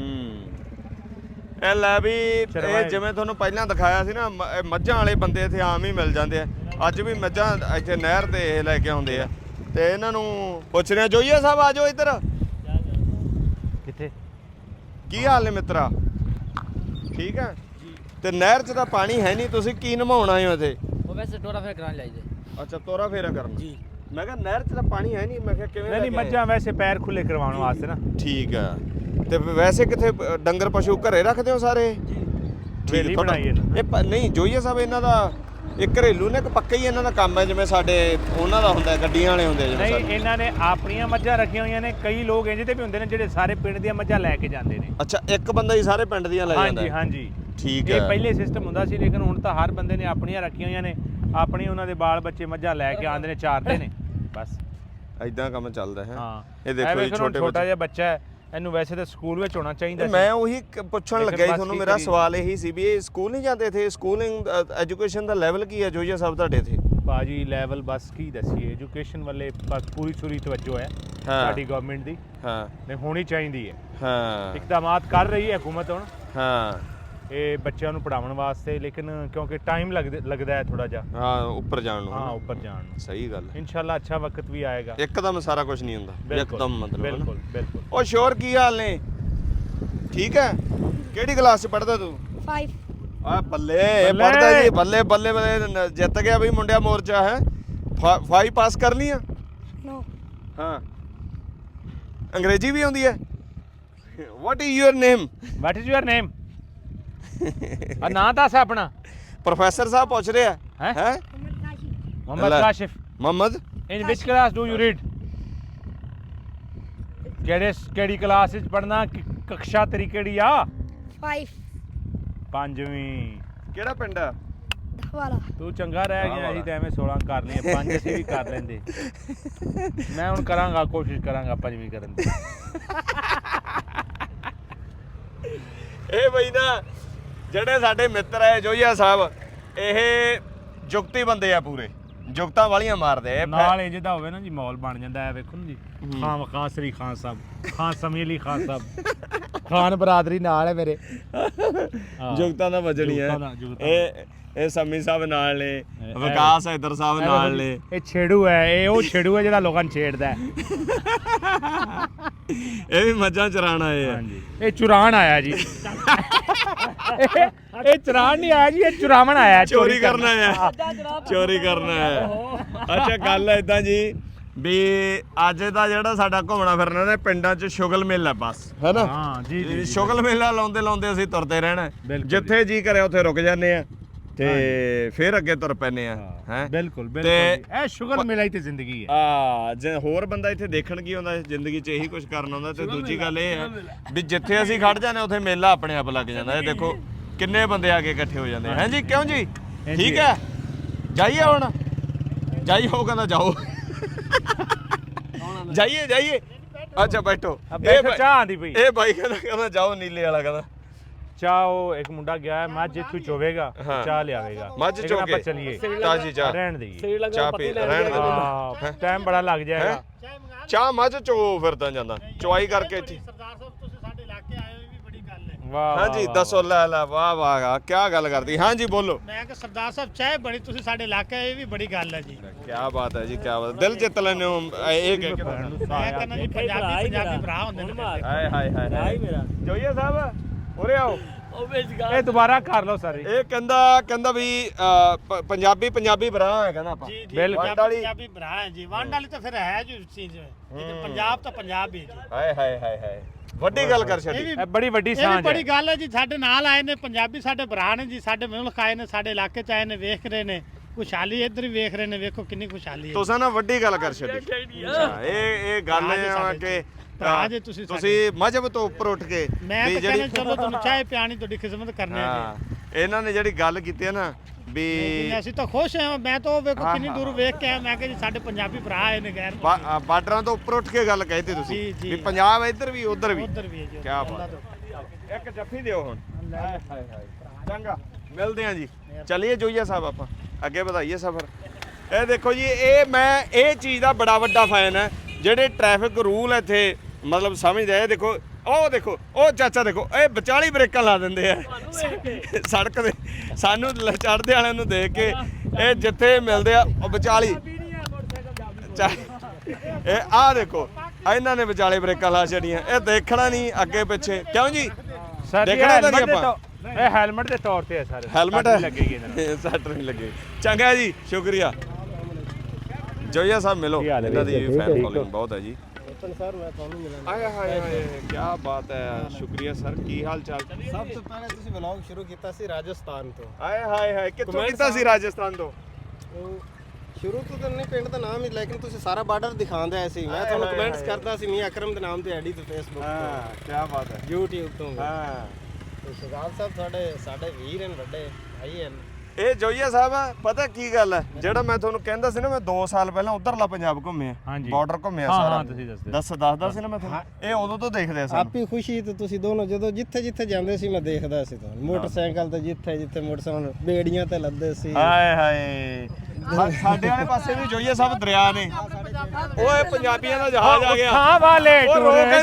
S1: ਇਹ ਲੈ ਵੀ ਇਹ
S2: ਚਰਵਾਏ।
S1: ਜਿਵੇਂ ਤੁਹਾਨੂੰ ਪਹਿਲਾਂ ਦਿਖਾਇਆ ਸੀ ਨਾ, ਇਹ ਮੱਝਾਂ ਵਾਲੇ ਬੰਦੇ ਇੱਥੇ ਆਮ ਹੀ ਮਿਲ ਜਾਂਦੇ ਆ। ਅੱਜ ਵੀ ਮੱਝਾਂ ਇੱਥੇ ਨਹਿਰ ਤੇ ਇਹ ਲੈ ਕੇ ਆਉਂਦੇ ਆ ਤੇ ਇਹਨਾਂ ਨੂੰ ਪੁੱਛ ਰਿਹਾ। ਜੋਈਆ ਸਾਹਿਬ ਆ ਜਾਓ ਇੱਧਰ।
S2: ਕਿੱਥੇ?
S1: ਕੀ ਹਾਲ ਨੇ ਮਿੱਤਰਾ? ਠੀਕ ਆ ਤੇ ਨਹਿਰ 'ਚ ਤਾਂ ਪਾਣੀ ਹੈ ਨਹੀਂ, ਤੁਸੀਂ ਕੀ ਨਮਾਉਣ ਆਏ ਹੋ ਇੱਥੇ?
S5: ਉਹ ਵੈਸੇ ਟੋਰਾ ਫੇਰ ਕਰਾਉਣ ਲਾਈਦੇ।
S1: ਅੱਛਾ ਤੋਰਾ ਫੇਰਾ ਕਰਨ ਜੀ। ਮੈਂ ਕਿਹਾ ਨਹਿਰ 'ਚ ਤਾਂ ਪਾਣੀ ਹੈ ਨਹੀਂ, ਮੈਂ ਕਿਹਾ ਕਿਵੇਂ?
S2: ਨਹੀਂ ਮੱਝਾਂ ਵੈਸੇ ਪੈਰ ਖੁੱਲੇ ਕਰਵਾਉਣ ਵਾਸਤੇ ਨਾ।
S1: ਠੀਕ ਆ। ਤੇ ਵੈਸੇ ਕਿੱਥੇ ਡੰਗਰ ਪਸ਼ੂ ਘਰੇ ਰੱਖਦੇ ਹੋ ਸਾਰੇ?
S2: ਹਵੇਲੀ ਬਣਾਈ ਇਹਨਾਂ।
S1: ਇਹ ਨਹੀਂ ਜੋਈਆ ਸਾਹਿਬ ਇਹਨਾਂ ਦਾ ਇਹ ਘਰੇਲੂ ਨੇ ਕਿ ਪੱਕਾ ਹੀ ਇਹਨਾਂ ਦਾ ਕੰਮ ਹੈ, ਜਿਵੇਂ ਸਾਡੇ ਉਹਨਾਂ ਦਾ ਹੁੰਦਾ ਗੱਡੀਆਂ ਵਾਲੇ ਹੁੰਦੇ ਜਿਵੇਂ
S2: ਨਹੀਂ
S1: ਸਾਡੇ?
S2: ਇਹਨਾਂ ਨੇ ਆਪਣੀਆਂ ਮੱਝਾਂ ਰੱਖੀਆਂ ਹੋਈਆਂ ਨੇ। ਕਈ ਲੋਕ ਇੰਜ ਦੇ ਵੀ ਹੁੰਦੇ ਨੇ ਜਿਹੜੇ ਸਾਰੇ ਪਿੰਡ ਦੀਆਂ ਮੱਝਾਂ ਲੈ ਕੇ ਜਾਂਦੇ ਨੇ।
S1: ਅੱਛਾ ਇੱਕ ਬੰਦਾ ਹੀ ਸਾਰੇ ਪਿੰਡ ਦੀਆਂ ਲੈ ਜਾਂਦਾ?
S2: ਹਾਂਜੀ ਹਾਂਜੀ।
S1: ਠੀਕ
S2: ਇਹ
S1: ਹੈ।
S2: ਪਹਿਲੇ ਸਿਸਟਮ ਹੁੰਦਾ ਸੀ, ਲੇਕਿਨ ਹੁਣ ਤਾਂ ਹਰ ਬੰਦੇ ਨੇ ਆਪਣੀਆਂ ਰੱਖੀਆਂ ਹੋਈਆਂ ਨੇ। ਆਪਣੀ ਉਹਨਾਂ ਦੇ ਬਾਲ ਬੱਚੇ ਮੱਝਾਂ ਲੈ ਕੇ ਆਉਂਦੇ ਨੇ, ਚਾਰਦੇ ਨੇ ਬਸ।
S1: ਐਦਾਂ ਕੰਮ ਚੱਲਦਾ ਹੈ।
S2: ਹਾਂ
S1: ਇਹ ਦੇਖੋ ਜੀ
S2: ਛੋਟਾ ਜਿਹਾ ਬੱਚਾ ਹੈ, ਇਹਨੂੰ ਵੈਸੇ ਤਾਂ ਸਕੂਲ ਵਿੱਚ ਹੋਣਾ ਚਾਹੀਦਾ ਸੀ।
S1: ਮੈਂ ਉਹੀ ਪੁੱਛਣ ਲੱਗਿਆ ਸੀ ਤੁਹਾਨੂੰ। ਮੇਰਾ
S2: ਕੀ
S1: ਸਵਾਲ ਇਹੀ ਸੀ ਵੀ ਇਹ ਸਕੂਲ ਨਹੀਂ ਜਾਂਦੇ ਇੱਥੇ? ਸਕੂਲਿੰਗ ਐਜੂਕੇਸ਼ਨ ਦਾ ਲੈਵਲ ਕੀ ਹੈ ਜੋਈਆ ਸਾਹਿਬ ਤੁਹਾਡੇ ਇੱਥੇ?
S2: ਬਾਜੀ ਲੈਵਲ ਬਸ ਕੀ ਦੱਸੀਏ, ਐਜੂਕੇਸ਼ਨ ਵੱਲੇ ਬਸ ਪੂਰੀ ਸੂਰੀ ਤਵੱਜੋ ਹੈ ਸਾਡੀ ਗਵਰਨਮੈਂਟ ਦੀ।
S1: ਹਾਂ
S2: ਨਹੀਂ ਹੋਣੀ ਚਾਹੀਦੀ ਹੈ।
S1: ਹਾਂ
S2: ਇਕਦਾਮਾਤ ਕਰ ਰਹੀ ਹੈ ਹਕੂਮਤ ਹੁਣ
S1: ਹਾਂ
S2: ਇਹ ਬੱਚਿਆਂ ਨੂੰ ਪੜਾਉਣ ਵਾਸਤੇ, ਲੇਕਿਨ ਕਿਉਂਕਿ ਟਾਈਮ ਲੱਗਦਾ ਹੈ ਥੋੜਾ ਜਿਹਾ।
S1: ਹਾਂ ਉੱਪਰ ਜਾਣ ਨੂੰ।
S2: ਹਾਂ ਉੱਪਰ ਜਾਣ ਨੂੰ।
S1: ਸਹੀ ਗੱਲ ਹੈ।
S2: ਇਨਸ਼ਾਅੱਲਾ ਅੱਛਾ ਵਕਤ ਵੀ ਆਏਗਾ।
S1: ਇੱਕਦਮ ਸਾਰਾ ਕੁਝ ਨਹੀਂ ਹੁੰਦਾ ਇੱਕਦਮ, ਮਤਲਬ
S2: ਬਿਲਕੁਲ ਬਿਲਕੁਲ।
S1: ਉਹ ਸ਼ੋਰ ਕੀ ਹਾਲ ਨੇ? ਠੀਕ ਹੈ। ਕਿਹੜੀ ਕਲਾਸ 'ਚ ਪੜ੍ਹਦਾ ਤੂੰ?
S3: 5
S1: ਆ ਬੱਲੇ ਇਹ ਪੜ੍ਹਦਾ ਜੀ। ਬੱਲੇ ਬੱਲੇ ਬੱਲੇ ਜਿੱਤ ਗਿਆ ਬਈ ਮੁੰਡਿਆ ਮੋਰਚਾ ਹੈ। 5 ਪਾਸ ਕਰ ਲਈ ਆ?
S3: No.
S1: ਹਾਂ। ਅੰਗਰੇਜ਼ੀ ਵੀ ਆਉਂਦੀ ਹੈ? What is your name?
S2: What is your name? ਆ ਨਾਂ ਦੱਸ ਆਪਣਾ।
S1: ਪ੍ਰੋਫੈਸਰ ਸਾਹਿਬ ਪੁੱਛ ਰਿਹਾ
S2: ਹੈਂ?
S1: ਹੈ।
S2: Muhammad Kashif.
S1: Muhammad
S2: in which class do you read? ਕਿਹੜੀ ਕਲਾਸ ਵਿੱਚ ਪੜਨਾ? ਕਕਸ਼ਾ ਤੇਰੀ ਕਿਹੜੀ ਆ?
S3: 5
S2: ਪੰਜਵੀਂ।
S1: ਕਿਹੜਾ ਪਿੰਡ ਆ?
S3: ਵਾਲਾ।
S2: ਤੂੰ ਚੰਗਾ ਰਹਿ ਗਿਆ, ਅਸੀਂ ਤਾਂ ਐਵੇਂ 16 ਕਰ ਲਈਆਂ, 5 ਅਸੀਂ ਵੀ ਕਰ ਲੈਂਦੇ। ਮੈਂ ਹੁਣ ਕਰਾਂਗਾ, ਕੋਸ਼ਿਸ਼ ਕਰਾਂਗਾ 5ਵੀਂ ਕਰਨ ਦੀ।
S1: ਇਹ ਬਈ ਨਾ ਜਿਹੜੇ ਸਾਡੇ ਮਿੱਤਰ ਹੈ ਜੋਈਆ ਸਾਹਿਬ, ਇਹ ਜੁਗਤੀ ਬੰਦੇ ਆ ਪੂਰੇ, ਜੁਗਤਾਂ ਵਾਲੀਆਂ ਮਾਰਦੇ ਆ।
S2: ਨਾਲ ਇਹ ਜਿਹਦਾ ਹੋਵੇ ਨਾ ਜੀ ਮਾਹੌਲ ਬਣ ਜਾਂਦਾ ਹੈ। ਵੇਖੋ ਨਾ ਜੀ, ਖਾਨ ਵਕਾਸਰੀ ਖਾਨ ਸਾਹਿਬ, ਖਾਨ ਸਮੀ ਅਲੀ ਖਾਨ ਸਾਹਿਬ, ਖਾਨ ਬਰਾਦਰੀ ਨਾਲ ਹੈ ਮੇਰੇ।
S1: ਜੁਗਤਾਂ ਦਾ ਵਜਣੀ ਹੈ। ਇਹ ਸਮੀ ਸਾਹਿਬ ਨਾਲ ਨੇ, ਵਿਕਾਸ ਹੈਦਰ ਸਾਹਿਬ ਨਾਲ ਨੇ।
S2: ਇਹ ਛੇੜੂ ਹੈ, ਇਹ ਉਹ ਛੇੜੂ ਹੈ ਜਿਹੜਾ ਲੋਕਾਂ ਨੂੰ ਛੇੜਦਾ ਹੈ।
S1: ਇਹ ਵੀ ਮੱਝਾਂ ਚਰਾਣ ਆਏ ਆ।
S2: ਹਾਂਜੀ ਇਹ ਚੁਰਾਣ ਆਇਆ ਜੀ। ਇਹ ਚੁਰਾਣ ਨਹੀਂ ਆਇਆ ਜੀ, ਇਹ ਚੁਰਾਵਣ ਆਇਆ।
S1: ਚੋਰੀ ਕਰਨ ਆਇਆ। ਚੋਰੀ ਕਰਨ ਆਇਆ। ਅੱਛਾ ਗੱਲ ਹੈ ਇਦਾਂ ਜੀ ਵੀ ਅੱਜ ਦਾ ਜਿਹੜਾ ਸਾਡਾ ਘੁੰਮਣਾ ਫਿਰਨਾ ਨਾ ਪਿੰਡਾਂ 'ਚ ਸ਼ੁਗਲ ਮੇਲਾ ਬਸ ਹੈ ਨਾ।
S2: ਹਾਂ ਜੀ ਜੀ।
S1: ਸ਼ੁਗਲ ਮੇਲਾ ਲਾਉਂਦੇ ਲਾਉਂਦੇ ਅਸੀਂ ਤੁਰਦੇ ਰਹਿਣਾ।
S2: ਬਿਲਕੁਲ
S1: ਜਿੱਥੇ ਜੀ ਕਰੇ ਉੱਥੇ ਰੁਕ ਜਾਂਦੇ ਆ ਤੇ ਫਿਰ ਅੱਗੇ ਤੁਰ ਪੈਨੇ ਆ। ਹੈ
S2: ਬਿਲਕੁਲ ਬਿਲਕੁਲ। ਇਹ ਸ਼ੁਗਰ ਮੇਲਾ ਹੀ ਤੇ ਜ਼ਿੰਦਗੀ ਹੈ।
S1: ਜੇ ਹੋਰ ਬੰਦਾ ਇੱਥੇ ਦੇਖਣ ਕੀ ਆਉਂਦਾ ਜ਼ਿੰਦਗੀ 'ਚ ਇਹੀ ਕੁਝ ਕਰਨ ਆਉਂਦਾ। ਤੇ ਦੂਜੀ ਗੱਲ ਇਹ ਹੈ ਵੀ ਜਿੱਥੇ ਅਸੀਂ ਖੜ ਜਾਂਦੇ ਉੱਥੇ ਮੇਲਾ ਆਪਣੇ ਆਪ ਲੱਗ ਜਾਂਦਾ। ਇਹ ਦੇਖੋ ਕਿੰਨੇ ਬੰਦੇ ਆ ਕੇ ਇਕੱਠੇ ਹੋ ਜਾਂਦੇ ਹੈ ਜੀ। ਕਿਉਂ ਜੀ? ਠੀਕ ਹੈ ਜਾਈਏ ਹੁਣ? ਜਾਈਏ? ਉਹ ਕਹਿੰਦਾ ਜਾਓ। ਜਾਈਏ ਜਾਈਏ। ਅੱਛਾ ਬੈਠੋ।
S2: ਚਾਹ ਆਂਦੀ ਪਈ।
S1: ਇਹ ਬਾਈ ਕਹਿੰਦਾ ਜਾਓ, ਨੀਲੇ ਵਾਲਾ ਕਹਿੰਦਾ
S2: ਚਾਹ। ਉਹ ਇੱਕ ਮੁੰਡਾ ਗਿਆ ਹੈ, ਮੱਝ ਇੱਥੋਂ ਚੋਵੇਗਾ, ਚਾਹ ਲਿਆਵੇਗਾ।
S1: ਮੱਝ ਚੋ ਕੇ
S2: ਚੱਲੀਏ
S1: ਤਾਜੀ ਚਾਹ
S2: ਰਹਿਣ ਦੇਈਏ।
S1: ਚਾਹ ਪੀ ਰਹਿਣ ਦੇ।
S2: ਟਾਈਮ ਬੜਾ ਲੱਗ ਜਾਏਗਾ।
S1: ਚਾਹ ਮੱਝ ਚੋ ਫਿਰ ਤਾਂ ਜਾਂਦਾ ਚੁਆਈ ਕਰਕੇ ਇੱਥੇ।
S6: ਸਰਦਾਰ ਸਾਹਿਬ ਤੁਸੀਂ ਸਾਡੇ ਇਲਾਕੇ ਆਏ ਹੋ, ਇਹ ਵੀ ਬੜੀ ਗੱਲ ਹੈ।
S2: ਵਾਹ
S1: ਹਾਂਜੀ ਦੱਸੋ। ਲੈ ਲੈ ਵਾਹ ਵਾਹ ਕੀ ਗੱਲ ਕਰਦੀ। ਹਾਂਜੀ ਬੋਲੋ।
S6: ਮੈਂ ਕਿ ਸਰਦਾਰ ਸਾਹਿਬ ਚਾਹ ਬੜੀ ਤੁਸੀਂ ਸਾਡੇ ਇਲਾਕੇ ਆਏ, ਇਹ ਵੀ ਬੜੀ ਗੱਲ ਹੈ ਜੀ।
S1: ਕੀ ਬਾਤ ਹੈ ਜੀ, ਕੀ ਬਾਤ। ਦਿਲ ਜਿੱਤ ਲੈਨੇ ਹੋ ਇਹ ਕਹਿ ਕੇ।
S6: ਮੈਂ ਕਹਿੰਦਾ ਜੀ ਪੰਜਾਬੀ ਭਰਾ ਹੁੰਦੇ ਨੇ।
S1: ਹਾਏ ਹਾਏ ਹਾਏ ਮੇਰਾ ਜੋਈਆ ਸਾਹਿਬ ਉਰੇ ਆਓ।
S2: ਇਹ ਦੁਬਾਰਾ ਕਰ ਲਓ ਸਾਰੇ।
S1: ਇਹ ਕਹਿੰਦਾ ਵੀ ਪੰਜਾਬੀ ਭਰਾ ਹੈ ਕਹਿੰਦਾ ਆਪਾਂ।
S6: ਜੀ ਜੀ
S2: ਬਿਲਕੁਲ।
S6: ਪੰਜਾਬੀ ਭਰਾ ਹੈ ਜੀ। ਵੰਡ ਵਾਲੀ ਤਾਂ ਫਿਰ ਹੈ ਜੀ ਚੀਜ਼। ਪੰਜਾਬ ਤਾਂ ਪੰਜਾਬ ਹੀ ਹੈ ਜੀ।
S1: ਹਾਏ ਹਾਏ ਹਾਏ ਹਾਏ ਵੱਡੀ ਗੱਲ ਕਰ ਛੱਡੀ।
S2: ਇਹ ਬੜੀ ਵੱਡੀ
S6: ਇਹ ਵੀ
S2: ਸਾਂਝ
S6: ਬੜੀ
S2: ਹੈ।
S6: ਗੱਲ ਹੈ ਜੀ। ਸਾਡੇ ਨਾਲ ਆਏ ਨੇ ਪੰਜਾਬੀ, ਸਾਡੇ ਭਰਾ ਨੇ ਜੀ। ਸਾਡੇ ਮੁਲਕ ਆਏ ਨੇ, ਸਾਡੇ ਇਲਾਕੇ ਚ ਆਏ ਨੇ, ਵੇਖ ਰਹੇ ਨੇ ਖੁਸ਼ਹਾਲੀ। ਇੱਧਰ ਵੀ ਵੇਖ ਰਹੇ ਨੇ, ਵੇਖੋ ਕਿੰਨੀ ਖੁਸ਼ਹਾਲੀ ਹੈ।
S1: ਤੁਸੀਂ ਨਾ ਵੱਡੀ ਗੱਲ ਕਰ ਛੱਡੀ। ਇਹ ਗੱਲ ਹੈ ਕਿ
S6: ਭਰਾ ਜੇ ਤੁਸੀਂ
S1: ਮਜ਼ਹਬ ਤੋਂ ਉੱਪਰ ਉੱਠ ਕੇ
S6: ਮੈਂ ਤਾਂ ਕਹਿੰਦਾ ਚਲੋ ਤੁਹਾਨੂੰ ਚਾਹ ਪਿਆਣੀ, ਤੁਹਾਡੀ ਖਿਦਮਤ ਕਰਨੀ ਹੈ ਜੀ।
S1: ਇਹਨਾਂ ਨੇ ਜਿਹੜੀ ਗੱਲ ਕੀਤੀ ਹੈ ਨਾ ਵੀ
S6: ਅਸੀਂ ਤਾਂ ਖੁਸ਼ ਹਾਂ। ਮੈਂ ਤਾਂ ਵੇਖੋ ਕਿੰਨੀ ਦੂਰ ਵੇਖ ਕੇ ਆਇਆ। ਮੈਂ ਕਿਹਾ ਜੀ ਸਾਡੇ ਪੰਜਾਬੀ ਭਰਾ ਆਏ ਨੇ ਗੈਰ
S1: ਬਾਰਡਰਾਂ ਤੋਂ ਉੱਪਰ ਉੱਠ ਕੇ ਗੱਲ ਕਹਿਤੀ ਤੁਸੀਂ
S6: ਜੀ, ਜੀ।
S1: ਵੀ ਪੰਜਾਬ ਇੱਧਰ ਵੀ ਉੱਧਰ ਵੀ।
S6: ਉੱਧਰ ਵੀ ਹੈ ਜੀ।
S1: ਕਿਆ ਬਾਤ ਇੱਕ ਜੱਫੀ ਦਿਓ ਹੁਣ ਚੰਗਾ ਮਿਲਦੇ ਆ ਜੀ ਚਲਿਏ ਜੋਈਆ ਸਾਹਿਬ ਆਪਾਂ ਅੱਗੇ ਵਧਾਈਏ ਸਫ਼ਰ ਇਹ ਦੇਖੋ ਜੀ ਇਹ ਚੀਜ਼ ਦਾ ਬੜਾ ਵੱਡਾ ਫੈਨ ਹੈ ਜਿਹੜੇ ਟ੍ਰੈਫਿਕ ਰੂਲ ਇੱਥੇ ਮਤਲਬ ਸਮਝਦੇ ਆ ਇਹ ਦੇਖੋ ਉਹ ਚਾਚਾ ਦੇਖੋ ਇਹ ਵਿਚਾਲੀ ਬ੍ਰੇਕਾਂ ਲਾ ਦਿੰਦੇ ਆ ਸੜਕ ਦੇ ਸਾਨੂੰ ਚੜ੍ਹਦੇ ਵਾਲਿਆਂ ਨੂੰ ਦੇਖ ਕੇ ਇਹ ਜਿੱਥੇ ਮਿਲਦੇ ਆ ਉਹ ਵਿਚਾਲੀ ਇਹ ਆਹ ਦੇਖੋ ਇਹਨਾਂ ਨੇ ਵਿਚਾਲੇ ਬ੍ਰੇਕਾਂ ਲਾ ਛੜੀਆਂ ਇਹ ਦੇਖਣਾ ਨਹੀਂ ਅੱਗੇ ਪਿੱਛੇ ਕਿਉਂ ਜੀ ਦੇਖਣਾ ਤਾਂ ਨਹੀਂ ਆਪਾਂ
S2: ਇਹ ਹੈਲਮਟ ਦੇ ਤੌਰ ਤੇ ਹੈ ਸਰ
S1: ਹੈਲਮਟ
S2: ਲੱਗੇਗੀ
S1: ਸੱਟ ਨਹੀਂ ਲੱਗੇ ਚੰਗਾ ਜੀ ਸ਼ੁਕਰੀਆ ਜੋਈਆ ਸਾਹਿਬ ਮਿਲੋ ਇਹਨਾਂ ਦੀ ਫੈਨ ਫੋਲੋਇੰਗ ਬਹੁਤ ਹੈ ਜੀ
S7: ਸਰ ਮੈਂ ਤੁਹਾਨੂੰ ਮਿਲਣਾ
S1: ਆਏ ਹਾਏ ਕੀ ਬਾਤ ਹੈ ਸ਼ੁਕਰੀਆ ਸਰ ਕੀ ਹਾਲ ਚਾਲ
S7: ਸਭ ਤੋਂ ਪਹਿਲੇ ਤੁਸੀਂ ਵਲੌਗ ਸ਼ੁਰੂ ਕੀਤਾ ਸੀ ਰਾਜਸਥਾਨ ਤੋਂ
S1: ਆਏ ਹਾਏ ਕਿੱਥੋਂ ਕੀਤਾ ਸੀ ਰਾਜਸਥਾਨ ਤੋਂ
S7: ਸ਼ੁਰੂ ਤੋਂ ਤਾਂ ਨਹੀਂ ਪਿੰਡ ਦਾ ਨਾਮ ਹੀ ਲੇਕਿਨ ਤੁਸੀਂ ਸਾਰਾ ਬਾਰਡਰ ਦਿਖਾਉਂਦੇ ਆਏ ਸੀ ਮੈਂ ਤੁਹਾਨੂੰ ਕਮੈਂਟਸ ਕਰਦਾ ਸੀ ਮੀਆਂ ਅਕਰਮ ਦੇ ਨਾਮ ਤੇ ਆਈਡੀ ਤੇ ਫੇਸਬੁੱਕ
S1: ਹਾਂ ਕੀ ਬਾਤ ਹੈ
S7: YouTube ਤੋਂ
S1: ਹਾਂ
S7: ਤੇ ਸੁਗਾਲ ਸਾਹਿਬ ਸਾਡੇ ਵੀਰ ਹਨ ਵੱਡੇ ਭਾਈ ਹਨ
S1: ਇਹ ਜੋਈਆ ਸਾਹਿਬ ਪਤਾ ਕੀ ਗੱਲ ਹੈ ਜਿਹੜਾ ਮੈਂ ਤੁਹਾਨੂੰ ਕਹਿੰਦਾ ਸੀ ਨਾ ਮੈਂ 2 ਸਾਲ ਪਹਿਲਾਂ ਉਧਰਲਾ ਪੰਜਾਬ ਘੁੰਮਿਆ ਬਾਰਡਰ ਘੁੰਮਿਆ ਸਾਰਾ
S2: ਹਾਂ ਤੁਸੀਂ
S1: ਦੱਸਦਾ ਸੀ ਨਾ ਮੈਂ ਤੁਹਾਨੂੰ ਇਹ ਉਦੋਂ ਤੋਂ ਦੇਖਦੇ ਸੀ
S7: ਆਪੀ ਖੁਸ਼ੀ ਤੇ ਤੁਸੀਂ ਦੋਨੋਂ ਜਦੋਂ ਜਿੱਥੇ ਜਾਂਦੇ ਸੀ ਮੈਂ ਦੇਖਦਾ ਸੀ ਤੁਹਾਨੂੰ ਮੋਟਰਸਾਈਕਲ ਤੇ ਜਿੱਥੇ ਮੋਟਰਸਾਈਕਲ ਬੇੜੀਆਂ ਤੇ ਲੱਦੇ ਸੀ
S1: ਹਾਏ ਹਾਏ ਸਾਡੇ ਵਾਲੇ ਪਾਸੇ ਵੀ ਜੋਈਆ ਸਾਹਿਬ ਦਰਿਆ ਨੇ ਓਏ ਪੰਜਾਬੀਆਂ ਦਾ ਜਹਾਜ਼ ਆ ਗਿਆ
S2: ਹਾਂ ਵਾਲੇ
S1: ਟੁਰੇ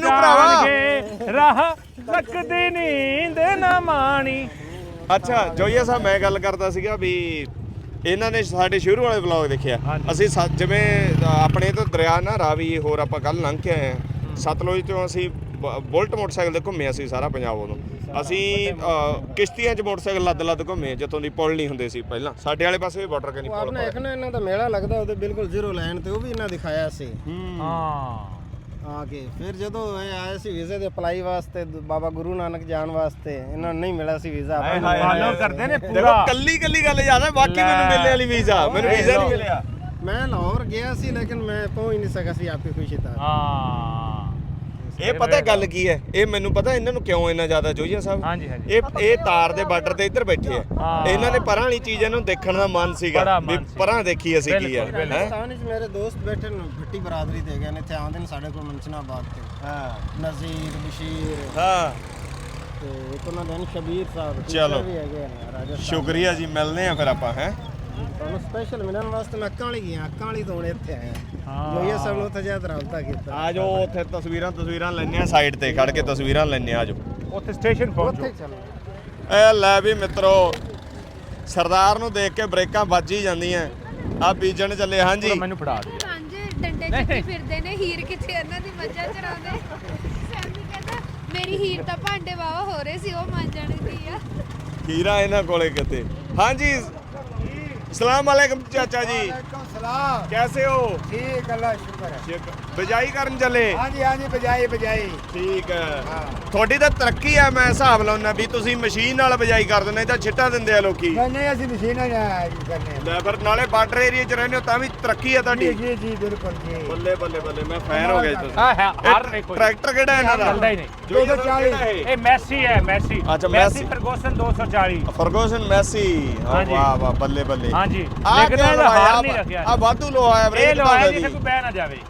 S2: ਜਾਣਗੇ ਰਾਹ ਤੱਕਦੀ ਨੀਂਦ ਨਾ ਮਾਣੀ
S1: ਅੱਛਾ ਜੋਈਆ ਸਾਹਿਬ ਮੈਂ ਗੱਲ ਕਰਦਾ ਸੀਗਾ ਵੀ ਇਹਨਾਂ ਨੇ ਸਾਡੇ ਸ਼ੁਰੂ ਵਾਲੇ ਵਲੌਗ ਦੇਖਿਆ ਅਸੀਂ ਜਿਵੇਂ ਆਪਣੇ ਤੋਂ ਦਰਿਆ ਨਾ ਰਾਵੀ ਹੋਰ ਆਪਾਂ ਕੱਲ ਲੰਘ ਕੇ ਆਏ ਆ ਸਤਲੁਜ ਤੋਂ ਅਸੀਂ ਬੁਲਟ ਮੋਟਰਸਾਈਕਲ ਤੇ ਘੁੰਮੇ ਅਸੀਂ ਸਾਰਾ ਪੰਜਾਬ ਉਦੋਂ ਅਸੀਂ ਕਿਸ਼ਤੀਆਂ 'ਚ ਮੋਟਰਸਾਈਕਲ ਲੱਦ ਘੁੰਮੇ ਜਿੱਥੋਂ ਦੀ ਪੁਲ ਨਹੀਂ ਹੁੰਦੇ ਸੀ ਪਹਿਲਾਂ ਸਾਡੇ ਵਾਲੇ ਪਾਸੇ ਵੀ ਬਾਰਡਰ ਕਨੀ ਪੁਲ
S7: ਆਪਨੇ ਦੇਖਣਾ ਇਹਨਾਂ ਦਾ ਮੇਲਾ ਲੱਗਦਾ ਉਹਦੇ ਬਿਲਕੁਲ ਜ਼ੀਰੋ ਲਾਈਨ ਤੇ ਉਹ ਵੀ ਇਹਨਾਂ ਦਿਖਾਇਆ ਸੀ
S2: ਹਾਂ
S7: ਆ ਕੇ ਫਿਰ ਜਦੋਂ ਇਹ ਆਏ ਸੀ ਵੀਜ਼ੇ ਦੇ ਅਪਲਾਈ ਵਾਸਤੇ ਬਾਬਾ ਗੁਰੂ ਨਾਨਕ ਜਾਣ ਵਾਸਤੇ ਇਹਨਾਂ ਨੂੰ ਨਹੀਂ ਮਿਲਿਆ ਸੀ ਵੀਜ਼ਾ
S2: ਫਾਲੋ ਕਰਦੇ ਨੇ
S1: ਦੇਖੋ
S2: ਪੂਰਾ
S1: ਕੱਲੀ ਗੱਲ ਯਾਦ ਹੈ ਬਾਕੀ ਮੈਨੂੰ ਮਿਲਣੇ ਵਾਲੀ ਵੀਜ਼ਾ ਮੈਨੂੰ ਵੀਜ਼ਾ ਨਹੀਂ ਮਿਲਿਆ
S7: ਮੈਂ ਲਾਹੌਰ ਗਿਆ ਸੀ ਲੇਕਿਨ ਮੈਂ ਪਹੁੰਚ ਨਹੀਂ ਸਕਿਆ ਸੀ ਆਪਕੀ ਖੁਸ਼ੀ ਤਾਂ
S2: ਹਾਂ
S1: ਇਹ ਪਤਾ ਗੱਲ ਕੀ ਹੈ ਇਹ ਮੈਨੂੰ ਪਤਾ ਇਹਨਾਂ ਨੂੰ ਕਿਉਂ ਇੰਨਾ ਜ਼ਿਆਦਾ ਜੋਈਆ ਸਾਹਿਬ
S2: ਹਾਂਜੀ
S1: ਇਹ ਤਾਰ ਦੇ ਬਾਰਡਰ ਤੇ ਇੱਧਰ ਬੈਠੇ ਆ ਇਹਨਾਂ ਨੇ ਪਰਾਂ ਵਾਲੀ ਚੀਜ਼ ਇਹਨੂੰ ਦੇਖਣ ਦਾ ਮਨ ਸੀਗਾ ਵੀ ਪਰਾਂ ਦੇਖੀ ਅਸੀਂ ਕੀ ਆ
S7: ਪਾਕਿਸਤਾਨ ਵਿੱਚ ਮੇਰੇ ਦੋਸਤ ਬੈਠੇ ਨੇ ਭੱਟੀ ਬਰਾਦਰੀ ਦੇ ਗਏ ਨੇ ਇੱਥੇ ਆਉਂਦੇ ਨੇ ਸਾਡੇ ਕੋਲ ਮਨਸਨਾਬਾਦ ਤੇ
S1: ਹਾਂ
S7: ਨਜ਼ੀਰ ਬਸ਼ੀਰ
S1: ਹਾਂ
S7: ਤੇ ਇੱਕ ਉਹਨਾਂ ਦੇ ਸ਼ਬੀਰ ਸਾਹਿਬ
S1: ਚਲੋ
S7: ਵੀ ਹੈਗੇ ਨੇ ਰਾਜਸਥਾਨ
S1: ਸ਼ੁਕਰੀਆ ਜੀ ਮਿਲਨੇ ਆ ਫਿਰ ਆਪਾਂ ਹੈ
S7: ਤੁਹਾਨੂੰ ਸਪੈਸ਼ਲ ਮਿਲਣ ਵਾਸਤੇ ਮੈਂ ਅੱਕਾਂ ਵਾਲੀ ਗਿਆ ਅੱਕਾਂ ਵਾਲੀ ਤੋਂ ਇੱਥੇ ਆਇਆ ਜੋਈਆ ਸਾਹਿਬ ਨੂੰ ਉੱਥੇ ਜਾ ਰਾਬਤਾ ਕੀਤਾ
S1: ਆ ਜਾਓ ਉੱਥੇ ਤਸਵੀਰਾਂ ਲੈਣੇ ਆ ਸਾਈਡ ਤੇ ਖੜ ਕੇ ਤਸਵੀਰਾਂ ਲੈਣੇ ਆ ਜਾਓ
S2: ਉੱਥੇ ਸਟੇਸ਼ਨ ਪਹੁੰਚੋ
S7: ਉੱਥੇ ਚੱਲੋ
S1: ਇਹ ਲੈ ਵੀ ਮਿੱਤਰੋ ਸਰਦਾਰ ਨੂੰ ਦੇਖ ਕੇ ਬ੍ਰੇਕਾਂ ਵੱਜ ਹੀ ਜਾਂਦੀਆਂ ਆ ਬੀਜਣ ਚੱਲੇ ਹਾਂਜੀ
S2: ਮੈਨੂੰ ਫੜਾ ਦੇ
S8: ਸਾਂਝੇ ਡੰਡੇ ਚੱਕੀ ਫਿਰਦੇ ਨੇ ਹੀਰ ਕਿੱਥੇ ਇਹਨਾਂ ਦੀ ਮੱਝਾਂ ਚਰਾਉਂਦੇ ਸੈਮੀ ਕਹਿੰਦਾ ਮੇਰੀ ਹੀਰ ਤਾਂ ਭਾਂਡੇ ਵਾਵਾ ਹੋ ਰਹੇ ਸੀ ਉਹ ਮਾਂਜਣ ਦੀ ਆ
S1: ਹੀਰਾ ਇਹਨਾਂ ਕੋਲੇ ਕਿਤੇ ਹਾਂਜੀ सलाम वालेकुम चाचा जी
S9: सलाम
S1: कैसे हो
S9: ठीक अल्लाह शुक्र है
S1: बिजाई करन चले
S9: हाँ जी बजाई
S1: ठीक है थोड़ी तो तरक्की है मैं हिसाब लाउना भी तुसी मशीन नाल बिजाई कर दिंदे तां छिट्टा दिंदे आ लोकी
S9: नहीं असि मशीन करने
S1: ले फिर नाले बार्डर एरिया च रहने हो तां भी तरक्की है ਤੁਹਾਡੀ
S9: जी बिल्कुल जी
S1: बल्ले मैं फैन हो गया तुसी
S2: ਹਾਂ ਹਰ ਇੱਕ
S1: ट्रैक्टर ਕਿਹੜਾ ਇਹਨਾਂ ਦਾ
S2: ਚੱਲਦਾ ਹੀ ਨਹੀਂ
S9: 240
S2: ਇਹ ਮੈਸੀ ਹੈ ਮੈਸੀ
S1: ਅੱਛਾ,
S2: Messi
S1: Messi.
S2: Ferguson 240
S1: Ferguson Messi
S2: ਹਾਂਜੀ।
S1: वाह बल्ले
S2: ਹਾਂਜੀ
S1: ਆ
S2: ਲੇਕਿਨ
S1: ਕਿਆ
S2: ਇਹਦਾ
S1: ਲਵਾਇਆ
S2: ਹਾਰ ਨਹੀਂ ਰੱਖਿਆ
S1: ਆ ਵਾਧੂ ਲੋਹਾਇਆ
S2: ਇਹ
S1: ਬ੍ਰੇਕ
S2: ਲਵਾਇਆ
S1: ਦਾ
S2: ਜਿੱਥੇ ਕੋਈ ਬਹਿ ਨਾ ਜਾਵੇ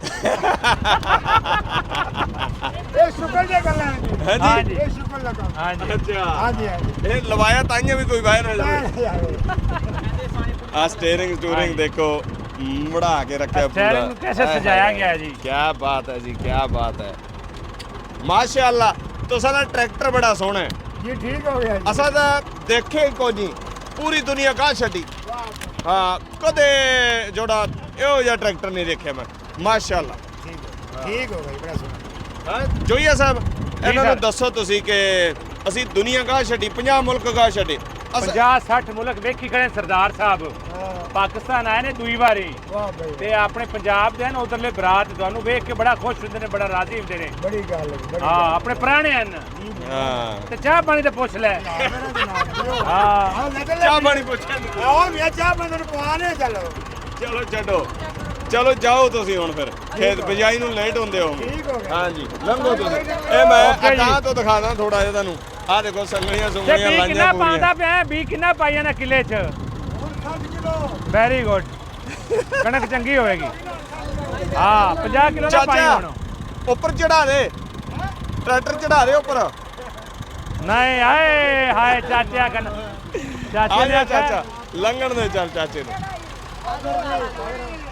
S9: ये शुक्र जे कर लेंगे
S1: ਹਾਂਜੀ
S2: ਹਾਂਜੀ
S9: ये शुक्र लगा
S2: ਹਾਂਜੀ
S1: ਅੱਛਾ
S9: हाँ जी
S1: ਇਹ ਲਵਾਇਆ ਤਾਈਆਂ ਵੀ ਕੋਈ ਬਾਹਰ ਨਾ ਜਾਵੇ ਆ ਸਟੀਅਰਿੰਗ ਟੂਰਿੰਗ ਦੇਖੋ ਮੜਾ ਕੇ ਰੱਖਿਆ ਪੂਰਾ
S2: ਸਟੀਅਰਿੰਗ ਨੂੰ कैसे सजाया गया है जी
S1: ਕੀ ਬਾਤ ਹੈ ਜੀ ਕੀ ਬਾਤ ਹੈ ਮਾਸ਼ਾਅੱਲਾ ਤੁਸਾਂ ਦਾ ਟਰੈਕਟਰ ਬੜਾ ਸੋਹਣਾ ਹੈ
S9: जी ठीक हो गया जी
S1: ਅਸਾਂ ਤਾਂ ਦੇਖੇ ਕੋਈ ਨਹੀਂ ਪੂਰੀ ਦੁਨੀਆ ਕਾ ਛੱਡੀ ਹਾਂ ਕਦੇ ਜੋੜਾ ਇਹੋ ਜਿਹਾ ਟਰੈਕਟਰ ਨਹੀਂ ਦੇਖਿਆ ਮੈਂ ਮਾਸ਼ਾਅੱਲਾ
S9: ठीक हो गई बड़ा सुना
S1: ਹਾਂ ਜੋਈਆ ਸਾਹਿਬ ਇਹਨਾਂ ਨੂੰ ਦੱਸੋ ਤੁਸੀਂ ਕਿ ਅਸੀਂ ਦੁਨੀਆ ਕਾ ਛੱਡੀ 50 ਮੁਲਕ ਕਾ ਛੱਡੇ
S2: 50-60 ਮੁਲਕ ਵੇਖੀ ਖੜੇ ਸਰਦਾਰ ਸਾਹਿਬ ਪਾਕਿਸਤਾਨ ਆਏ ਨੇ ਦੂਈ ਵਾਰੀ
S9: वाह भाई
S2: ਤੇ ਆਪਣੇ ਪੰਜਾਬ ਦੇ ਹਨ ਉਧਰਲੇ ਬਰਾਤ ਤੁਹਾਨੂੰ ਵੇਖ ਕੇ ਬੜਾ ਖੁਸ਼ ਹੁੰਦੇ ਨੇ ਬੜਾ ਰਾਜ਼ੀ ਹੁੰਦੇ ਨੇ
S9: बड़ी गल है बड़ी
S2: ਹਾਂ ਆਪਣੇ ਪੁਰਾਣੇ ਹਨ
S1: ਹਾਂ
S2: ਤੇ ਚਾਹ ਪਾਣੀ ਤੇ ਪੁੱਛ ਲੈ ਹਾਂ
S9: हाँ लगल
S1: ਚਾਹ ਪਾਣੀ ਪੁੱਛਿਆ
S9: आओ मैं चाह बंदर पवाने चलो
S1: ਚਲੋ ਛੱਡੋ ਚਲੋ ਜਾਓ ਤੁਸੀਂ ਹੁਣ ਫਿਰ ਖੇਤ ਬਿਜਾਈ ਨੂੰ ਲੇਟ ਹੁੰਦੇ ਹੋ
S9: ठीक हो गया
S1: ਹਾਂਜੀ ਲੰਘੋ ਤੁਸੀਂ ਇਹ ਮੈਂ ਅਗਾਂਹ ਤੋਂ ਦਿਖਾਦਾ ਥੋੜਾ ਜਿਹਾ ਤੁਹਾਨੂੰ ਆਹ ਦੇਖੋ ਸੰਗਲੀਆਂ
S2: ਤੇ
S1: ਸੁੰਗਲੀਆਂ
S2: ਬੀ
S1: ਲਾਈਆਂ
S2: ਕਿੰਨਾ
S1: ਪੂਰੀਆਂ
S2: ਪਾਉਂਦਾ ਪਿਆ ਬੀ ਕਿੰਨਾ ਪਾਈਆਂ ਨਾ ਕਿੱਲੇ 'ਚ
S9: 60 किलो
S2: ਵੈਰੀ ਗੁੱਡ ਕਣਕ ਚੰਗੀ ਹੋਵੇਗੀ ਹਾਂ 50 ਕਿਲੋ ਦਾ ਪਾਈ ਹੁਣ
S1: ਉੱਪਰ ਚੜਾ ਦੇ ਟਰੈਕਟਰ ਚੜਾ ਦੇ ਉੱਪਰ
S2: ਨਹੀਂ ਆਏ ਹਾਏ ਚਾਚਾ ਕਨ
S1: ਆ
S2: ਚਾਚੇ ਨੇ
S1: ਜਾ
S2: ਆਖਿਆ
S1: ਚਾਚਾ ਲੰਘਣ ਦੇ ਚੱਲ ਚਾਚੇ ਨੂੰ